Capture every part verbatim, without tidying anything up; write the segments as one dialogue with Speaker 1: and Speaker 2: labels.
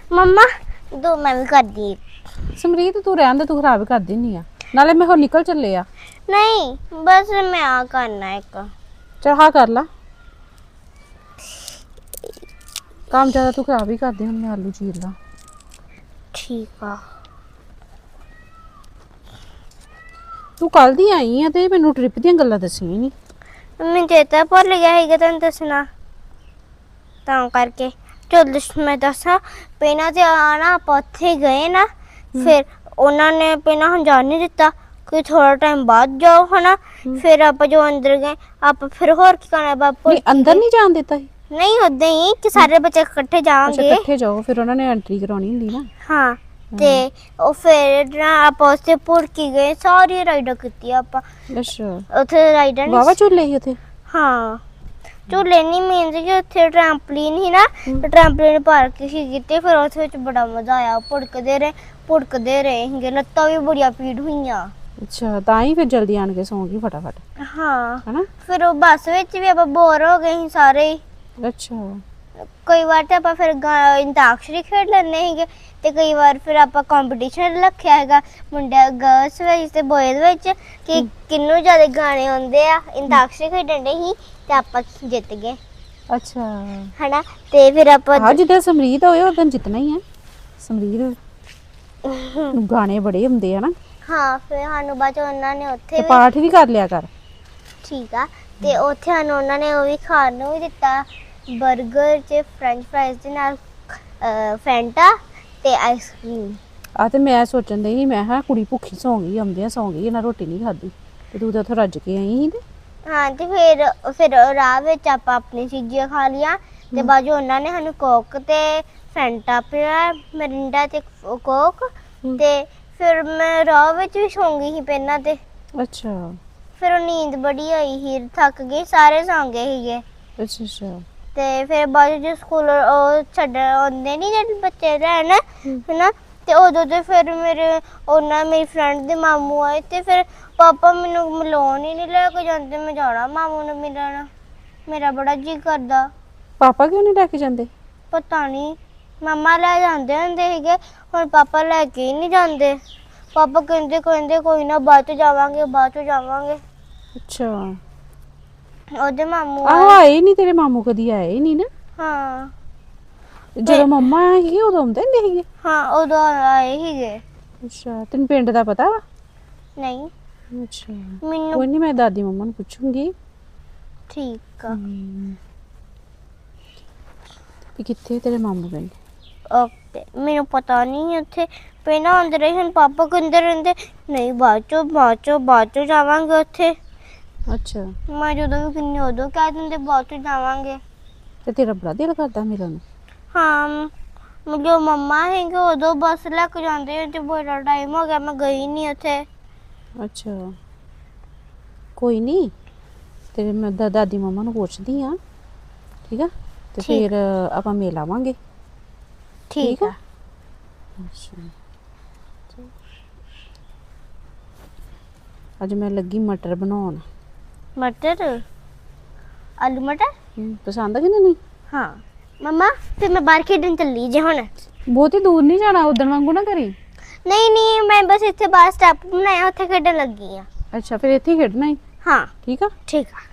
Speaker 1: मम्मा दो मैं भी कर दी।
Speaker 2: ਸਮਰੀਤ ਤੂੰ ਰਹਿਣ ਦੇ, ਤੂੰ ਖਰਾਬ ਕਰ ਦਿੰਨੀ ਆ, ਨਾਲੇ ਮੈਂ ਹੋਰ ਨਿਕਲ ਚੱਲੇ ਆ।
Speaker 1: नहीं बस मैं आ करना एक
Speaker 2: ਚੱਲ ਹਾਂ ਕਰ ਲਾ ਕੰਮ, ਜ਼ਿਆਦਾ ਤੂੰ ਖਰਾਬ ਹੀ ਕਰਦੀ। ਹੁਣ ਮੈਂ ਆਲੂ ਚੀਰ ਲਾ।
Speaker 1: ठीक है।
Speaker 2: ਤੂੰ ਕੱਲ ਦੀ ਆਈ ਆ ਤੇ ਮੈਨੂੰ ਟ੍ਰਿਪ ਦੀਆਂ ਗੱਲਾਂ ਦੱਸੀਆਂ ਨਹੀਂ।
Speaker 1: मैं चेता भुल गया है तेन दसना ਤਾਂ ਕਰਕੇ चल मैं दसा पहना ते आना आप उत्थे गए ना, फिर उन्होंने पहना हम जान नहीं दिता कि थोड़ा टाइम बाद जाओ है ना। फिर आप जो अंदर गए आप फिर होर की करना बापू
Speaker 2: ਨਹੀਂ ਅੰਦਰ ਨਹੀਂ ਜਾਣ ਦਿੱਤਾ ਸੀ।
Speaker 1: नहीं उदा ही कि सारे बच्चे इकट्ठे
Speaker 2: ਅੱਛਾ
Speaker 1: जाएंगे।
Speaker 2: ਇਕੱਠੇ ਜਾਓ, ਫਿਰ ਉਹਨਾਂ ਨੇ ਐਂਟਰੀ ਕਰਾਉਣੀ ਹੁੰਦੀ ਨਾ।
Speaker 1: हाँ ते ओ फिर ना आप उससे पुरकी गए सारी राइडर की आप
Speaker 2: ਅੱਛਾ
Speaker 1: उथे राइडर
Speaker 2: ਵਾਵਾ ਝੂਲੇ ਸੀ ਉੱਥੇ।
Speaker 1: हाँ झूले नहीं मीनस कि उत्थे ट्रैम्पलिन ही ना, ट्रैम्पलिन पार्क ही कीते। फिर उस विच बड़ा मजा आया, भुड़कदे रहे भुड़कदे रहे हिंगे, लत्तां भी बड़िया पीड़ हुईयां।
Speaker 2: ਅੱਛਾ ਤਾਂ ਹੀ ਫਿਰ ਜਲਦੀ ਆਣ ਕੇ ਸੌਂ ਗਈ ਫਟਾਫਟ
Speaker 1: हाँ
Speaker 2: ਹਨਾ।
Speaker 1: फिर वो बस विच भी आप बोर हो गए ही सारे ही।
Speaker 2: ਅੱਛਾ
Speaker 1: कई बार तो आप फिर अंताक्षरी खेड लेने ही ते कई बार फिर आप कंपटीशन रखा है मुंडे गर्ल्स विच ते बॉयज विच कि किन्नू ज्यादा गाने आंदे आ। अंताक्षरी खेडन दे ही ते आप जित गए
Speaker 2: ਅੱਛਾ
Speaker 1: है ना। ते फिर आप
Speaker 2: ਹਾਂ ਜਿੱਦਾਂ ਸਮਰੀਤ ਹੋਏ ਉਦੋਂ ਜਿੱਤਣਾ ਹੀ ਆ। ਸਮਰੀਤ ਨੂੰ ਗਾਣੇ ਬੜੇ ਹੁੰਦੇ ਆ ਨਾ।
Speaker 1: हाँ फिर सानू बाद उन्होंने उत्थे
Speaker 2: ਤੇ
Speaker 1: भी
Speaker 2: ਪਾਠ ਵੀ ਕਰ ਲਿਆ ਕਰ।
Speaker 1: ठीक आ ते उत्थे सानू उन्होंने वो भी खाण नूं भी दिता, बर्गर च फ्रेंच फ्राइज दे नाल फैंटा ते आइसक्रीम।
Speaker 2: ਆ ਤੇ ਮੈਂ ਸੋਚਣ ਡਈ ਸੀ, ਮੈਂ ਕਿਹਾ ਕੁੜੀ ਭੁੱਖੀ ਸੌਂ ਗਈ, ਆਉਂਦਿਆਂ ਸੌਂ ਗਈ, ਇਹਨਾਂ ਰੋਟੀ ਨਹੀਂ ਖਾਧੀ ਤੇ ਤੂੰ ਤਾਂ ਉੱਥੋਂ ਰੱਜ ਕੇ ਆਈ ਸੀ। ਤੇ
Speaker 1: हाँ ते फिर फिर राह विच आप अपनी चीज़ें खा लिया ते बाजू उन्होंने सानू कोक ते फैंटा पिया, मिरिंडा ते कोक ते फिर मैं राह विच भी सौ गई ही पहना ते
Speaker 2: ਅੱਛਾ
Speaker 1: फिर नींद बड़ी आई ही, थक गई, सारे सौ गए ही।
Speaker 2: ਅੱਛਾ ਅੱਛਾ
Speaker 1: ते फिर बाद जो स्कूल छड्ड आंदे नहीं जेह्ड़े बच्चे लैन है ना, ते उदों ते फिर मेरे उन्ना मेरी फ्रेंड दे मामू आए ते फिर पापा मैनू मिलाउण ही नहीं लेके जांदे। मैं जाना मामू नूं मिलण, मेरा बड़ा जी करदा।
Speaker 2: ਪਾਪਾ ਕਿਉਂ ਨਹੀਂ ਲੈ ਕੇ ਜਾਂਦੇ?
Speaker 1: पता नहीं मम्मा ले जांदे हुंदे सीगे, हुण पापा लेके ही नहीं जांदे। पापा कहंदे कहंदे कोई ना बाद च जावांगे बाद च जावांगे।
Speaker 2: ਅੱਛਾ
Speaker 1: ओदे मामू
Speaker 2: ਆਹੋ ਆਏ ਨਹੀਂ ਤੇਰੇ ਮਾਮੂ, ਕਦੀ ਆਏ ਹੀ ਨਹੀਂ ਨਾ।
Speaker 1: हाँ
Speaker 2: ਜਦੋਂ ਮੰਮਾ ਸੀਗੇ ਉਦੋਂ ਆਉਂਦੇ ਹੁੰਦੇ ਸੀਗੇ।
Speaker 1: हाँ उदों आए सीगे।
Speaker 2: ਅੱਛਾ ਤੈਨੂੰ ਪਿੰਡ ਦਾ ਪਤਾ ਵਾ?
Speaker 1: नहीं
Speaker 2: ਅੱਛਾ
Speaker 1: मैनू
Speaker 2: ਕੋਈ ਨਹੀਂ, ਮੈਂ ਦਾਦੀ ਮੰਮਾ ਨੂੰ ਪੁੱਛੂੰਗੀ
Speaker 1: ठीक आ।
Speaker 2: ਕਿ ਕਿੱਥੇ ਤੇਰੇ ਮਾਮੂ ਪਿੰਡ।
Speaker 1: ओके मैनू पता नहीं उत्थे पहना आंदे रहे हन। पापा कहंदे रहंदे नहीं बाद चो बाद चो बाद चो जावांगे उत्थे।
Speaker 2: ਅੱਛਾ
Speaker 1: मैं जदों भी किन्नी उदों कह दिंदे बाद चो जावांगे।
Speaker 2: ਤੇ ਤੇਰਾ ਬੜਾ ਦਿਲ ਕਰਦਾ ਮਿਲਣ ਨੂੰ।
Speaker 1: हाँ जो मम्मा है उदों बस लेके जांदे ते बड़ा टाइम हो गया मैं गई नहीं उत्थे।
Speaker 2: ਅੱਛਾ ਕੋਈ ਨਹੀਂ, ਤੇਰੇ ਮੈਂ ਦਾ- ਦਾਦੀ ਮੰਮਾ ਨੂੰ ਪੁੱਛਦੀ ਆ, ਠੀਕ ਆ, ਤੇ
Speaker 1: ਠੀਕ।
Speaker 2: ਫਿਰ ਆਪਾਂ ਮਿਲ ਆਵਾਂਗੇ।
Speaker 1: ठीक
Speaker 2: ठीक
Speaker 1: है।
Speaker 2: ਅੱਛਾ ਅੱਜ ਮੈਂ ਲੱਗੀ ਮਟਰ ਬਣਾਉਣ।
Speaker 1: मटर आलू मटर
Speaker 2: ਹਮ, ਪਸੰਦ ਆ ਕਿ ਨਹੀਂ?
Speaker 1: हाँ मम्मा फिर मैं बाहर खेडन चली जे हुण।
Speaker 2: ਬਹੁਤੀ ਦੂਰ ਨਹੀਂ ਜਾਣਾ, ਉਦਣ ਵਾਂਗੂ ਨਾ ਕਰੀ।
Speaker 1: नहीं नहीं मैं बस इत्थे बाहर स्टेप बनाया उत्थे खेडन लगी आ।
Speaker 2: ਅੱਛਾ ਫਿਰ ਇੱਥੇ ਹੀ ਖੇਡਣਾ ਹੈ,
Speaker 1: हाँ
Speaker 2: ਠੀਕ ਆ।
Speaker 1: ठीक है।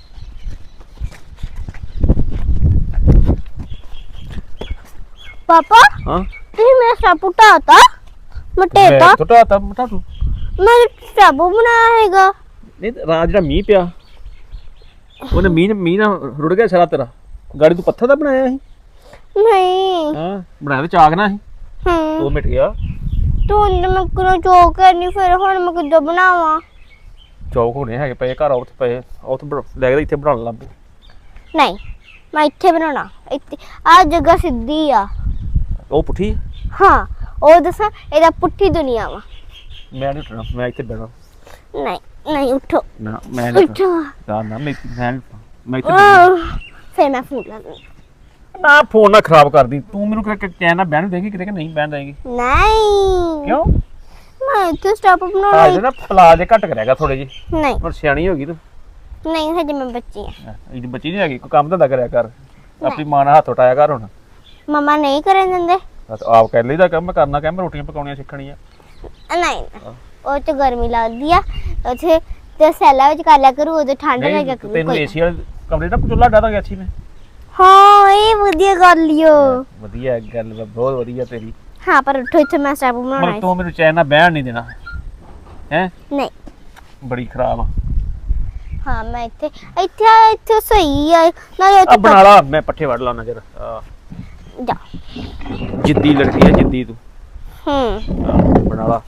Speaker 1: पापा
Speaker 3: हाँ
Speaker 1: तुम मेरा स्टेप उठाता मटेता
Speaker 3: मैं तो आता मटा तू
Speaker 1: मैं स्टेप बनाया हैगा।
Speaker 3: नहीं ਰਾਤ ਜਿਹੜਾ ਮੀਂਹ ਪਿਆ ਉਹਨੇ ਮੀਂਹ ਮੀਂਹ ਨਾਲ ਰੁੜ ਗਿਆ ਸਾਰਾ ਤੇਰਾ। ਗਾੜੀ ਤੂੰ ਪੱਥਰ ਦਾ ਬਣਾਇਆ ਸੀ?
Speaker 1: नहीं
Speaker 3: ਹਾਂ ਬਣਾਇਆ ਤੇ ਚਾਕ ਨਾ ਸੀ,
Speaker 1: हम्म
Speaker 3: ਉਹ ਮਿਟ ਗਿਆ।
Speaker 1: तू मैं करो चौक करनी फिर हुण मैं किद्दां बनावां।
Speaker 3: ਚੌਕ ਹੋਣੇ ਹੈਗੇ ਪਏ ਘਰ, ਉੱਥੇ ਪਏ ਉੱਥੇ ਬਣਾ- ਲੈ ਕੇ ਇੱਥੇ ਬਣਾਉਣ ਲੱਗ ਪਏ।
Speaker 1: नहीं मैं इत्थे बनाना इत्थे आ जगह सीधी आ।
Speaker 3: ਉਹ ਪੁੱਠੀ
Speaker 1: हाँ ओ दसा एदा पुट्ठी दुनिया वा।
Speaker 3: ਮੈਂ ਨਹੀਂ ਉੱਠਣਾ, ਮੈਂ ਇੱਥੇ ਬਹਿਣਾ।
Speaker 1: नहीं नहीं उठो
Speaker 3: ਨਾ ਮੈਂ ਨਹੀਂ
Speaker 1: उठो
Speaker 3: ਉੱਠਣਾ ਨਾ, ਮੈਂ ਮੈਂ ਨੀ- ਮੈਂ ਇੱਥੇ ਬਹਿਣਾ।
Speaker 1: आह, फिर मैं फोन ला दूंगी।
Speaker 3: ਨਾ ਫੋਨ ਨਾ ਖਰਾਬ ਕਰਦੀ ਤੂੰ, ਮੈਨੂੰ ਕਿ ਕਹਿਣਾ ਬਹਿਣ ਦੇਗੀ ਕਿਤੇ ਕਿ ਨਹੀਂ ਬਹਿਣ ਦੇਗੀ?
Speaker 1: नहीं
Speaker 3: ਕਿਉਂ?
Speaker 1: मैं इत्थे स्टेप
Speaker 3: ਆਜ
Speaker 1: बनाना।
Speaker 3: ਨਾ ਪਲਾ ਜੇ ਘੱਟ ਕਰਿਆਗਾ ਥੋੜੇ ਜੀ,
Speaker 1: नहीं
Speaker 3: ਪਰ ਸਿਆਣੀ ਹੋ ਗਈ ਤੂੰ।
Speaker 1: नहीं हजे मैं बच्ची हां।
Speaker 3: ਇਹਦੀ ਬੱਚੀ ਨਹੀਂ ਹੈਗੀ, ਕੋਈ ਕੰਮ ਧੰਦਾ ਕਰਿਆ ਕਰ, ਆਪਣੀ ਮਾਂ ਨਾਲ ਹੱਥ ਉਟਾਇਆ ਕਰ ਹੁਣ।
Speaker 1: मम्मा नहीं करन देंदे।
Speaker 3: ਆਪ ਕਰ ਲਈਦਾ ਕੰਮ, ਮੈਂ ਕਰਨਾ ਕੰਮ, ਰੋਟੀਆਂ ਪਕਾਉਣੀਆਂ ਸਿੱਖਣੀਆਂ।
Speaker 1: ਨਹੀਂ ਉਹ ਚ ਗਰਮੀ ਲੱਗਦੀ ਆ ਉੱਥੇ ਤੇ ਸੈਲਾ ਵਿੱਚ ਕਰ ਲਿਆ ਕਰੂ, ਉਦੋਂ ਠੰਡ ਲੱਗਿਆ ਕਰੂ।
Speaker 3: ਤੈਨੂੰ ਏਸੀ ਵਾਲੇ ਕਮਰੇ ਦਾ ਚੁੱਲ੍ਹਾ ਡਾ ਦਾਂਗੇ ਅੱਛੀ ਮੈਂ।
Speaker 1: ਹਾਂ ਇਹ ਵਧੀਆ ਗੱਲ ਲਿਓ।
Speaker 3: ਵਧੀਆ ਗੱਲ ਵਾ, ਬਹੁਤ ਵਧੀਆ ਤੇਰੀ।
Speaker 1: ਹਾਂ ਪਰ ਉੱਠੋ ਇੱਥੇ ਮੈਂ ਸਟੈਪ ਬਣਾਉਣਾ
Speaker 3: ਪਰ ਤੂੰ ਮੈਨੂੰ ਚੈਨ ਨਾਲ ਬਹਿਣ ਨਹੀਂ ਦੇਣਾ ਹੈ।
Speaker 1: ਨਹੀਂ
Speaker 3: ਬੜੀ ਖਰਾਬ ਆ।
Speaker 1: ਹਾਂ ਮੈਂ ਇੱਥੇ ਇੱਥੇ ਇੱਥੇ ਸਹੀ ਆ ਨਾਲੇ
Speaker 3: ਆ
Speaker 1: ਉੱਥੇ
Speaker 3: ਬਣਾ ਲਾ, ਮੈਂ ਪੱਠੇ ਵੜ ਲਾਉਣਾ ਜਰਾ। ਆ
Speaker 1: ਜਾ
Speaker 3: ਜਿੱਦੀ ਲੜਕੀ ਆ, ਜਿੱਦੀ ਤੂੰ।
Speaker 1: ਹੂੰ
Speaker 3: ਆਹ, ਬਣਾ ਲਾ।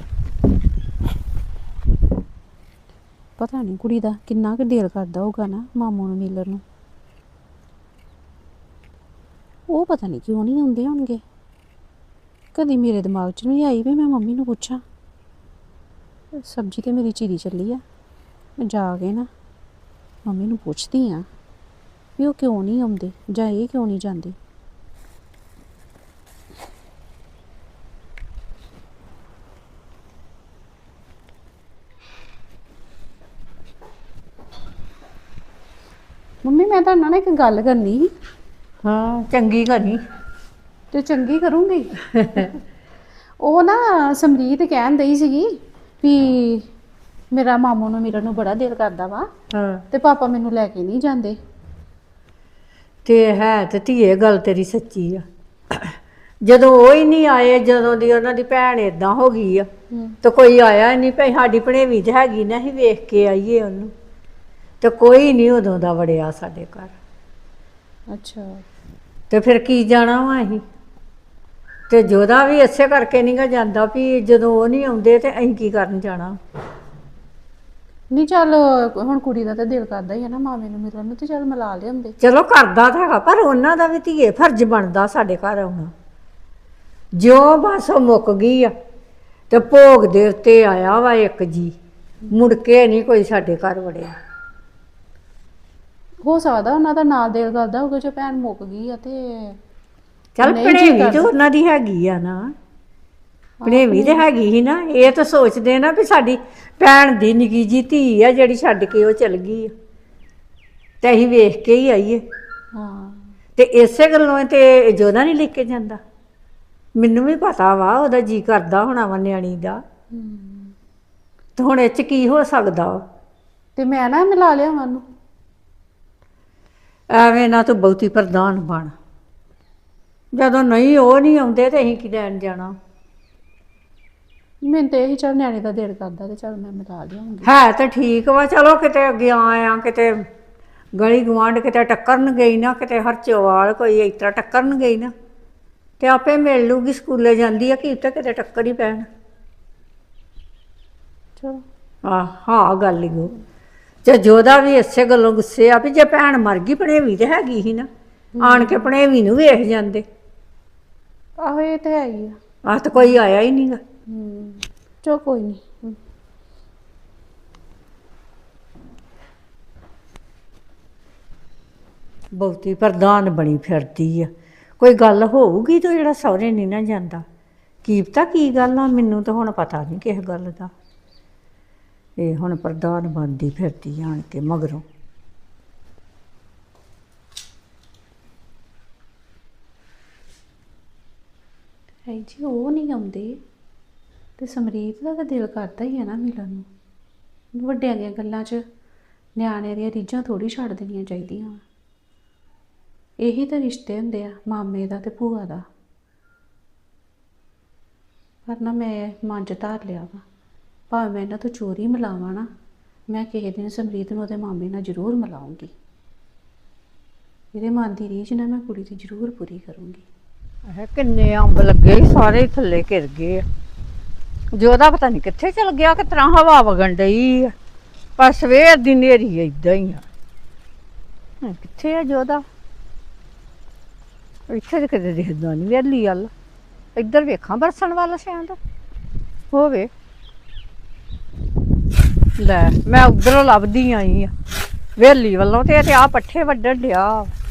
Speaker 2: ਪਤਾ ਨਹੀਂ ਕੁੜੀ ਦਾ ਕਿੰਨਾ ਕੁ ਦਿਲ ਕਰਦਾ ਹੋਊਗਾ ਨਾ ਮਾਮੂ ਨੂੰ ਮਿਲਣ ਨੂੰ। ਉਹ ਪਤਾ ਨਹੀਂ ਕਿਉਂ ਨਹੀਂ ਆਉਂਦੇ ਹੋਣਗੇ। ਕਦੀ ਮੇਰੇ ਦਿਮਾਗ 'ਚ ਨਹੀਂ ਆਈ ਵੀ ਮੈਂ ਮੰਮੀ ਨੂੰ ਪੁੱਛਾਂ। ਸਬਜ਼ੀ ਤੇ ਮੇਰੀ ਚੀਰੀ ਚੱਲੀ ਆ, ਮੈਂ ਜਾ ਕੇ ਨਾ ਮੰਮੀ ਨੂੰ ਪੁੱਛਦੀ ਆ ਵੀ ਉਹ ਕਿਉਂ ਨਹੀਂ ਆਉਂਦੇ ਜਾਂ ਇਹ ਕਿਉਂ ਨਹੀਂ ਜਾਂਦੇ। ਮੰਮੀ ਮੈਂ ਤੁਹਾਡੇ ਨਾਲ ਨਾ ਇੱਕ ਗੱਲ ਕਰਨੀ ਸੀ।
Speaker 4: ਹਾਂ ਚੰਗੀ ਕਰਨੀ
Speaker 2: ਤੇ ਚੰਗੀ ਕਰੂੰਗੀ। ਉਹ ਨਾ ਸਮਰੀਤ ਕਹਿਣ ਦਈ ਸੀਗੀ ਵੀ ਮੇਰਾ ਮਾਮੂ ਨੂੰ ਮਿਲਣ ਨੂੰ ਬੜਾ ਦਿਲ ਕਰਦਾ ਵਾ
Speaker 4: ਹਾਂ
Speaker 2: ਤੇ ਪਾਪਾ ਮੈਨੂੰ ਲੈ ਕੇ ਨਹੀਂ ਜਾਂਦੇ।
Speaker 4: ਤੇ ਹੈ ਤੇ ਧੀਏ ਗੱਲ ਤੇਰੀ ਸੱਚੀ ਆ। ਜਦੋਂ ਉਹ ਹੀ ਨਹੀਂ ਆਏ, ਜਦੋਂ ਦੀ ਉਹਨਾਂ ਦੀ ਭੈਣ ਏਦਾਂ ਹੋ ਗਈ ਆ ਤੇ ਕੋਈ ਆਇਆ ਹੀ ਨਹੀਂ। ਭਈ ਸਾਡੀ ਭਣੇਵੀਂ ਤੇ ਹੈਗੀ ਨਾ, ਅਸੀਂ ਵੇਖ ਕੇ ਆਈਏ ਉਹਨੂੰ, ਤੇ ਕੋਈ ਨਹੀਂ ਉਦੋਂ ਦਾ ਵੜਿਆ ਸਾਡੇ ਘਰ।
Speaker 2: ਅੱਛਾ
Speaker 4: ਤੇ ਫਿਰ ਕੀ ਜਾਣਾ ਵਾ ਅਸੀਂ। ਤੇ ਜੋਦਾ ਵੀ ਇਸੇ ਕਰਕੇ ਨਹੀਂ ਗਾ ਜਾਂਦਾ ਵੀ ਜਦੋਂ ਉਹ ਨਹੀਂ ਆਉਂਦੇ ਤੇ ਅਸੀਂ ਕੀ ਕਰਨ ਜਾਣਾ।
Speaker 2: ਨਹੀਂ ਚੱਲ ਹੁਣ ਕੁੜੀ ਦਾ ਤਾਂ ਦਿਲ ਕਰਦਾ ਹੀ ਹੈ ਨਾ ਮਾਮੇ ਨੂੰ ਮਿਲਣ ਨੂੰ, ਤੇ ਚੱਲ ਮਿਲਾ ਲਿਆਉਂਦੇ।
Speaker 4: ਚਲੋ ਕਰਦਾ ਤਾਂ ਹੈਗਾ, ਪਰ ਉਹਨਾਂ ਦਾ ਵੀ ਧੀਏ ਫਰਜ਼ ਬਣਦਾ ਸਾਡੇ ਘਰ ਆਉਣਾ। ਜਿਉਂ ਬਸ ਉਹ ਮੁੱਕ ਗਈ ਆ ਤੇ ਭੋਗ ਦੇ ਉੱਤੇ ਆਇਆ ਵਾ ਇੱਕ ਜੀ, ਮੁੜ ਕੇ ਨਹੀਂ ਕੋਈ ਸਾਡੇ ਘਰ ਵੜਿਆ।
Speaker 2: ਹੋ ਸਕਦਾ ਉਹਨਾਂ ਦਾ ਨਾਲ ਦਿਲ ਕਰਦਾ ਹੋਊਗਾ ਜੇ ਭੈਣ ਮੁੱਕ ਗਈ ਆ ਤੇ
Speaker 4: ਚੱਲ
Speaker 2: ਨਹੀਂ ਜੀ
Speaker 4: ਭਣੇਵੀਂ ਤੇ
Speaker 2: ਕਰਦਾ।
Speaker 4: ਉਹਨਾਂ ਦੀ ਹੈਗੀ ਆ ਨਾ, ਭਣੇਵੀਂ ਤੇ ਹੈਗੀ ਸੀ ਨਾ। ਇਹ ਤਾਂ ਸੋਚਦੇ ਨਾ ਵੀ ਸਾਡੀ ਭੈਣ ਦੀ ਨਿੱਕੀ ਜੀ ਧੀ ਆ ਜਿਹੜੀ ਛੱਡ ਕੇ ਉਹ ਚਲ ਗਈ ਆ, ਤੇ ਅਸੀਂ ਵੇਖ ਕੇ ਹੀ ਆਈਏ।
Speaker 2: ਹਾਂ
Speaker 4: ਤੇ ਇਸੇ ਗੱਲੋਂ ਤੇ ਜੋਦਾ ਨਹੀਂ ਲੈ ਕੇ ਜਾਂਦਾ। ਮੈਨੂੰ ਵੀ ਪਤਾ ਵਾ ਉਹਦਾ ਜੀ ਕਰਦਾ ਹੋਣਾ ਵਾ ਨਿਆਣੀ ਦਾ, ਤੇ ਹੁਣ ਇਹ 'ਚ ਕੀ ਹੋ ਸਕਦਾ ਵਾ।
Speaker 2: ਤੇ ਮੈਂ ਨਾ ਮਿਲਾ ਲਿਆ ਉਹਨੂੰ।
Speaker 4: ਐਵੇਂ ਨਾ ਤੂੰ ਬਹੁਤੀ ਪ੍ਰਧਾਨ ਬਣ। ਜਦੋਂ ਨਹੀਂ ਉਹ ਨਹੀਂ ਆਉਂਦੇ ਤੇ ਅਸੀਂ ਕੀ ਲੈਣ ਜਾਣਾ।
Speaker 2: ਮੈਨੂੰ ਤੇ ਇਹੀ ਚੱਲ ਨਿਆਣੇ ਦਾ ਦਿਲ ਕਰਦਾ ਤੇ ਚੱਲ ਮੈਂ ਮਿਲਾ ਲਿਆਉਂਗੀ।
Speaker 4: ਹੈ ਤਾਂ ਠੀਕ ਵਾ, ਚਲੋ ਕਿਤੇ ਅੱਗੇ ਆ ਕਿਤੇ ਗਲੀ ਗਵਾਂਢ ਕਿਤੇ ਟੱਕਰਨ ਗਈ ਨਾ, ਕਿਤੇ ਹਰਚੋਵਾਲ ਕੋਈ ਇਸ ਤਰ੍ਹਾਂ ਟੱਕਰਨ ਗਈ ਨਾ, ਤੇ ਆਪੇ ਮਿਲ ਲੂਗੀ। ਸਕੂਲੇ ਜਾਂਦੀ ਆ, ਕੀ ਤਾਂ ਕਿਤੇ ਟੱਕਰ ਹੀ ਪੈਣ।
Speaker 2: ਚਲੋ
Speaker 4: ਆਹ ਹਾਂ ਗੱਲ ਹੀ ਉਹ। ਤੇ ਜੋਦਾ ਵੀ ਇਸੇ ਗੱਲੋਂ ਗੁੱਸੇ ਆ ਵੀ ਜੇ ਭੈਣ ਮਰ ਗਈ, ਭਣੇਵੀਂ ਤੇ ਹੈਗੀ ਸੀ ਨਾ, ਆਣ ਕੇ ਭਣੇਵੀਂ ਨੂੰ ਵੇਖ ਜਾਂਦੇ।
Speaker 2: ਆਹੋ ਇਹ ਤੇ ਹੈ ਹੀ ਆ।
Speaker 4: ਆਹ ਤਾਂ ਕੋਈ ਆਇਆ ਹੀ ਨਹੀਂਗਾ।
Speaker 2: ਹੂੰ ਚਲੋ ਕੋਈ ਨਹੀਂ।
Speaker 4: ਬਹੁਤੀ ਪ੍ਰਧਾਨ ਬਣੀ ਫਿਰਦੀ ਆ। ਕੋਈ ਗੱਲ ਹੋਊਗੀ ਤਾਂ ਜਿਹੜਾ ਸਹੁਰੇ ਨਹੀਂ ਨਾ ਜਾਂਦਾ। ਕੀ ਪਤਾ ਕੀ ਗੱਲ ਆ, ਮੈਨੂੰ ਤਾਂ ਹੁਣ ਪਤਾ ਨਹੀਂ ਕਿਸੇ ਗੱਲ ਦਾ। ਇਹ ਹੁਣ ਪ੍ਰਧਾਨ ਬਣਦੀ ਫਿਰਦੀ ਆਣ ਕੇ ਮਗਰੋਂ।
Speaker 2: ਹੈ ਜੀ ਉਹ ਨਹੀਂ ਆਉਂਦੇ ਤੇ ਸਮਰੀਤ ਦਾ ਤਾਂ ਦਿਲ ਕਰਦਾ ਹੀ ਹੈ ਨਾ ਮਿਲਣ ਨੂੰ। ਵੱਡਿਆਂ ਦੀਆਂ ਗੱਲਾਂ 'ਚ ਨਿਆਣਿਆਂ ਦੀਆਂ ਰੀਝਾਂ ਥੋੜੀ ਛੱਡ ਦੇਣੀਆਂ ਚਾਹੀਦੀਆਂ। ਇਹੀ ਤਾਂ ਰਿਸ਼ਤੇ ਹੁੰਦੇ ਆ ਮਾਮੇ ਦਾ ਤੇ ਭੂਆ ਦਾ। ਪਰ ਨਾ ਮੈਂ ਮਨ 'ਚ ਧਾਰ ਲਿਆ ਵਾ, ਭਾਵੇਂ ਮੈਂ ਇਹਨਾਂ ਤੋਂ ਚੋਰੀ ਮਿਲਾਵਾਂ ਨਾ, ਮੈਂ ਕਿਸੇ ਦਿਨ ਸਮਰੀਤ ਨੂੰ ਉਹਦੇ ਮਾਮੇ ਨਾਲ ਜ਼ਰੂਰ ਮਿਲਾਉਂਗੀ। ਇਹਦੇ ਮਨ ਦੀ ਰੀਝ ਨਾ ਮੈਂ ਕੁੜੀ ਦੀ ਜ਼ਰੂਰ ਪੂਰੀ ਕਰੂੰਗੀ।
Speaker 4: ਇਹ ਕਿੰਨੇ ਅੰਬ ਲੱਗੇ ਸੀ, ਸਾਰੇ ਥੱਲੇ ਘਿਰ ਗਏ ਆ। ਜੋਦਾ ਪਤਾ ਨਹੀਂ ਕਿੱਥੇ ਚਲ ਗਿਆ, ਕਿ ਤਰ੍ਹਾਂ ਹਵਾ ਵਗਣ ਡਈ ਆ, ਪਰ ਸਵੇਰ ਦੀ ਨੇਰੀ ਏਦਾਂ ਹੀ ਆ। ਹੁਣ ਕਿੱਥੇ ਆ ਜੋਦਾ? ਇੱਥੇ ਤਾਂ ਕਿਤੇ ਦਿਖਦਾ ਨਹੀਂ ਵੇਲੀ ਵੱਲ। ਇੱਧਰ ਵੇਖਾਂ ਬਰਸਣ ਵੱਲ ਸ਼ਾਇਦ ਹੋਵੇ। ਲੈ ਮੈਂ ਉਧਰੋਂ ਲੱਭਦੀ ਆਈ ਆ ਵੇਲੀ ਵੱਲੋਂ, ਤੇ ਤੇ ਆ ਪੱਠੇ ਵੱਢਣ ਡਿਆ।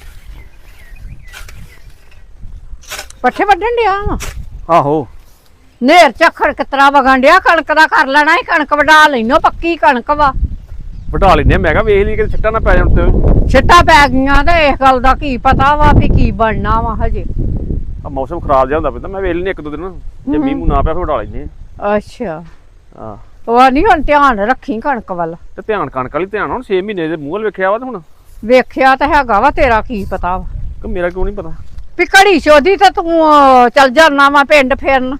Speaker 4: ਪੱਠੇ ਵੱਢਣ ਡਿਆ
Speaker 3: ਆਹੋ
Speaker 4: ਨੇਰ ਝੱਖੜ ਕਿਤਰਾ ਵਗਣ ਡਿਆ। ਕਣਕ ਦਾ ਕਰ ਲੈਣਾ ਸੀ, ਕਣਕ ਵਢਾ ਲੈਨੋ, ਪੱਕੀ ਕਣਕ ਵਾ।
Speaker 3: ਵਢਾ ਲੈਨੇ। ਮੈਂ ਕਿਹਾ ਵੇਖ ਲਈ ਕਿ ਛਿੱਟਾ ਨਾ ਪੈ ਜਾਣ ਤੇ।
Speaker 4: ਛਿੱਟਾਂ ਪੈ ਗਈਆਂ ਤੇ ਇਸ ਗੱਲ ਦਾ ਕੀ ਪਤਾ ਵਾ ਵੀ ਕੀ ਬਣਨਾ ਵਾ ਹਜੇ।
Speaker 3: ਮੌਸਮ ਖਰਾਬ ਜਿਹਾ ਹੁੰਦਾ ਪੈਂਦਾ ਮੈਂ ਵੇਲ ਨਹੀਂ ਇੱਕ ਦੋ ਦਿਨ ਜੇ ਮੀਂਹ ਮੂੰਹ ਨਾ ਪਿਆ ਫਿਰ ਉਡਾ ਲੈਂਦੇ
Speaker 4: ਅੱਛਾ
Speaker 3: ਆ
Speaker 4: ਉਹ ਨਹੀਂ ਹੁਣ ਧਿਆਨ ਰੱਖੀ ਕਣਕ ਵੱਲ।
Speaker 3: ਤੇ ਧਿਆਨ ਕਣਕ ਵਾਲੀ ਧਿਆਨ ਹੁਣ ਛੇ ਮਹੀਨੇ ਦੇ ਮੂੰਹ ਵੱਲ ਵੇਖਿਆ ਵਾ ਤੇ ਹੁਣ
Speaker 4: ਵੇਖਿਆ ਤਾਂ ਹੈਗਾ ਵਾ, ਤੇਰਾ ਕੀ ਪਤਾ ਵਾ
Speaker 3: ਕਿ ਮੇਰਾ ਕਿਉਂ ਨਹੀਂ ਪਤਾ।
Speaker 4: ਵੀ ਘੜੀ ਚੋਦੀ ਤਾਂ ਤੂੰ ਅਹ, ਚੱਲ ਜਾਣਾ ਵਾ ਪਿੰਡ ਫਿਰਨ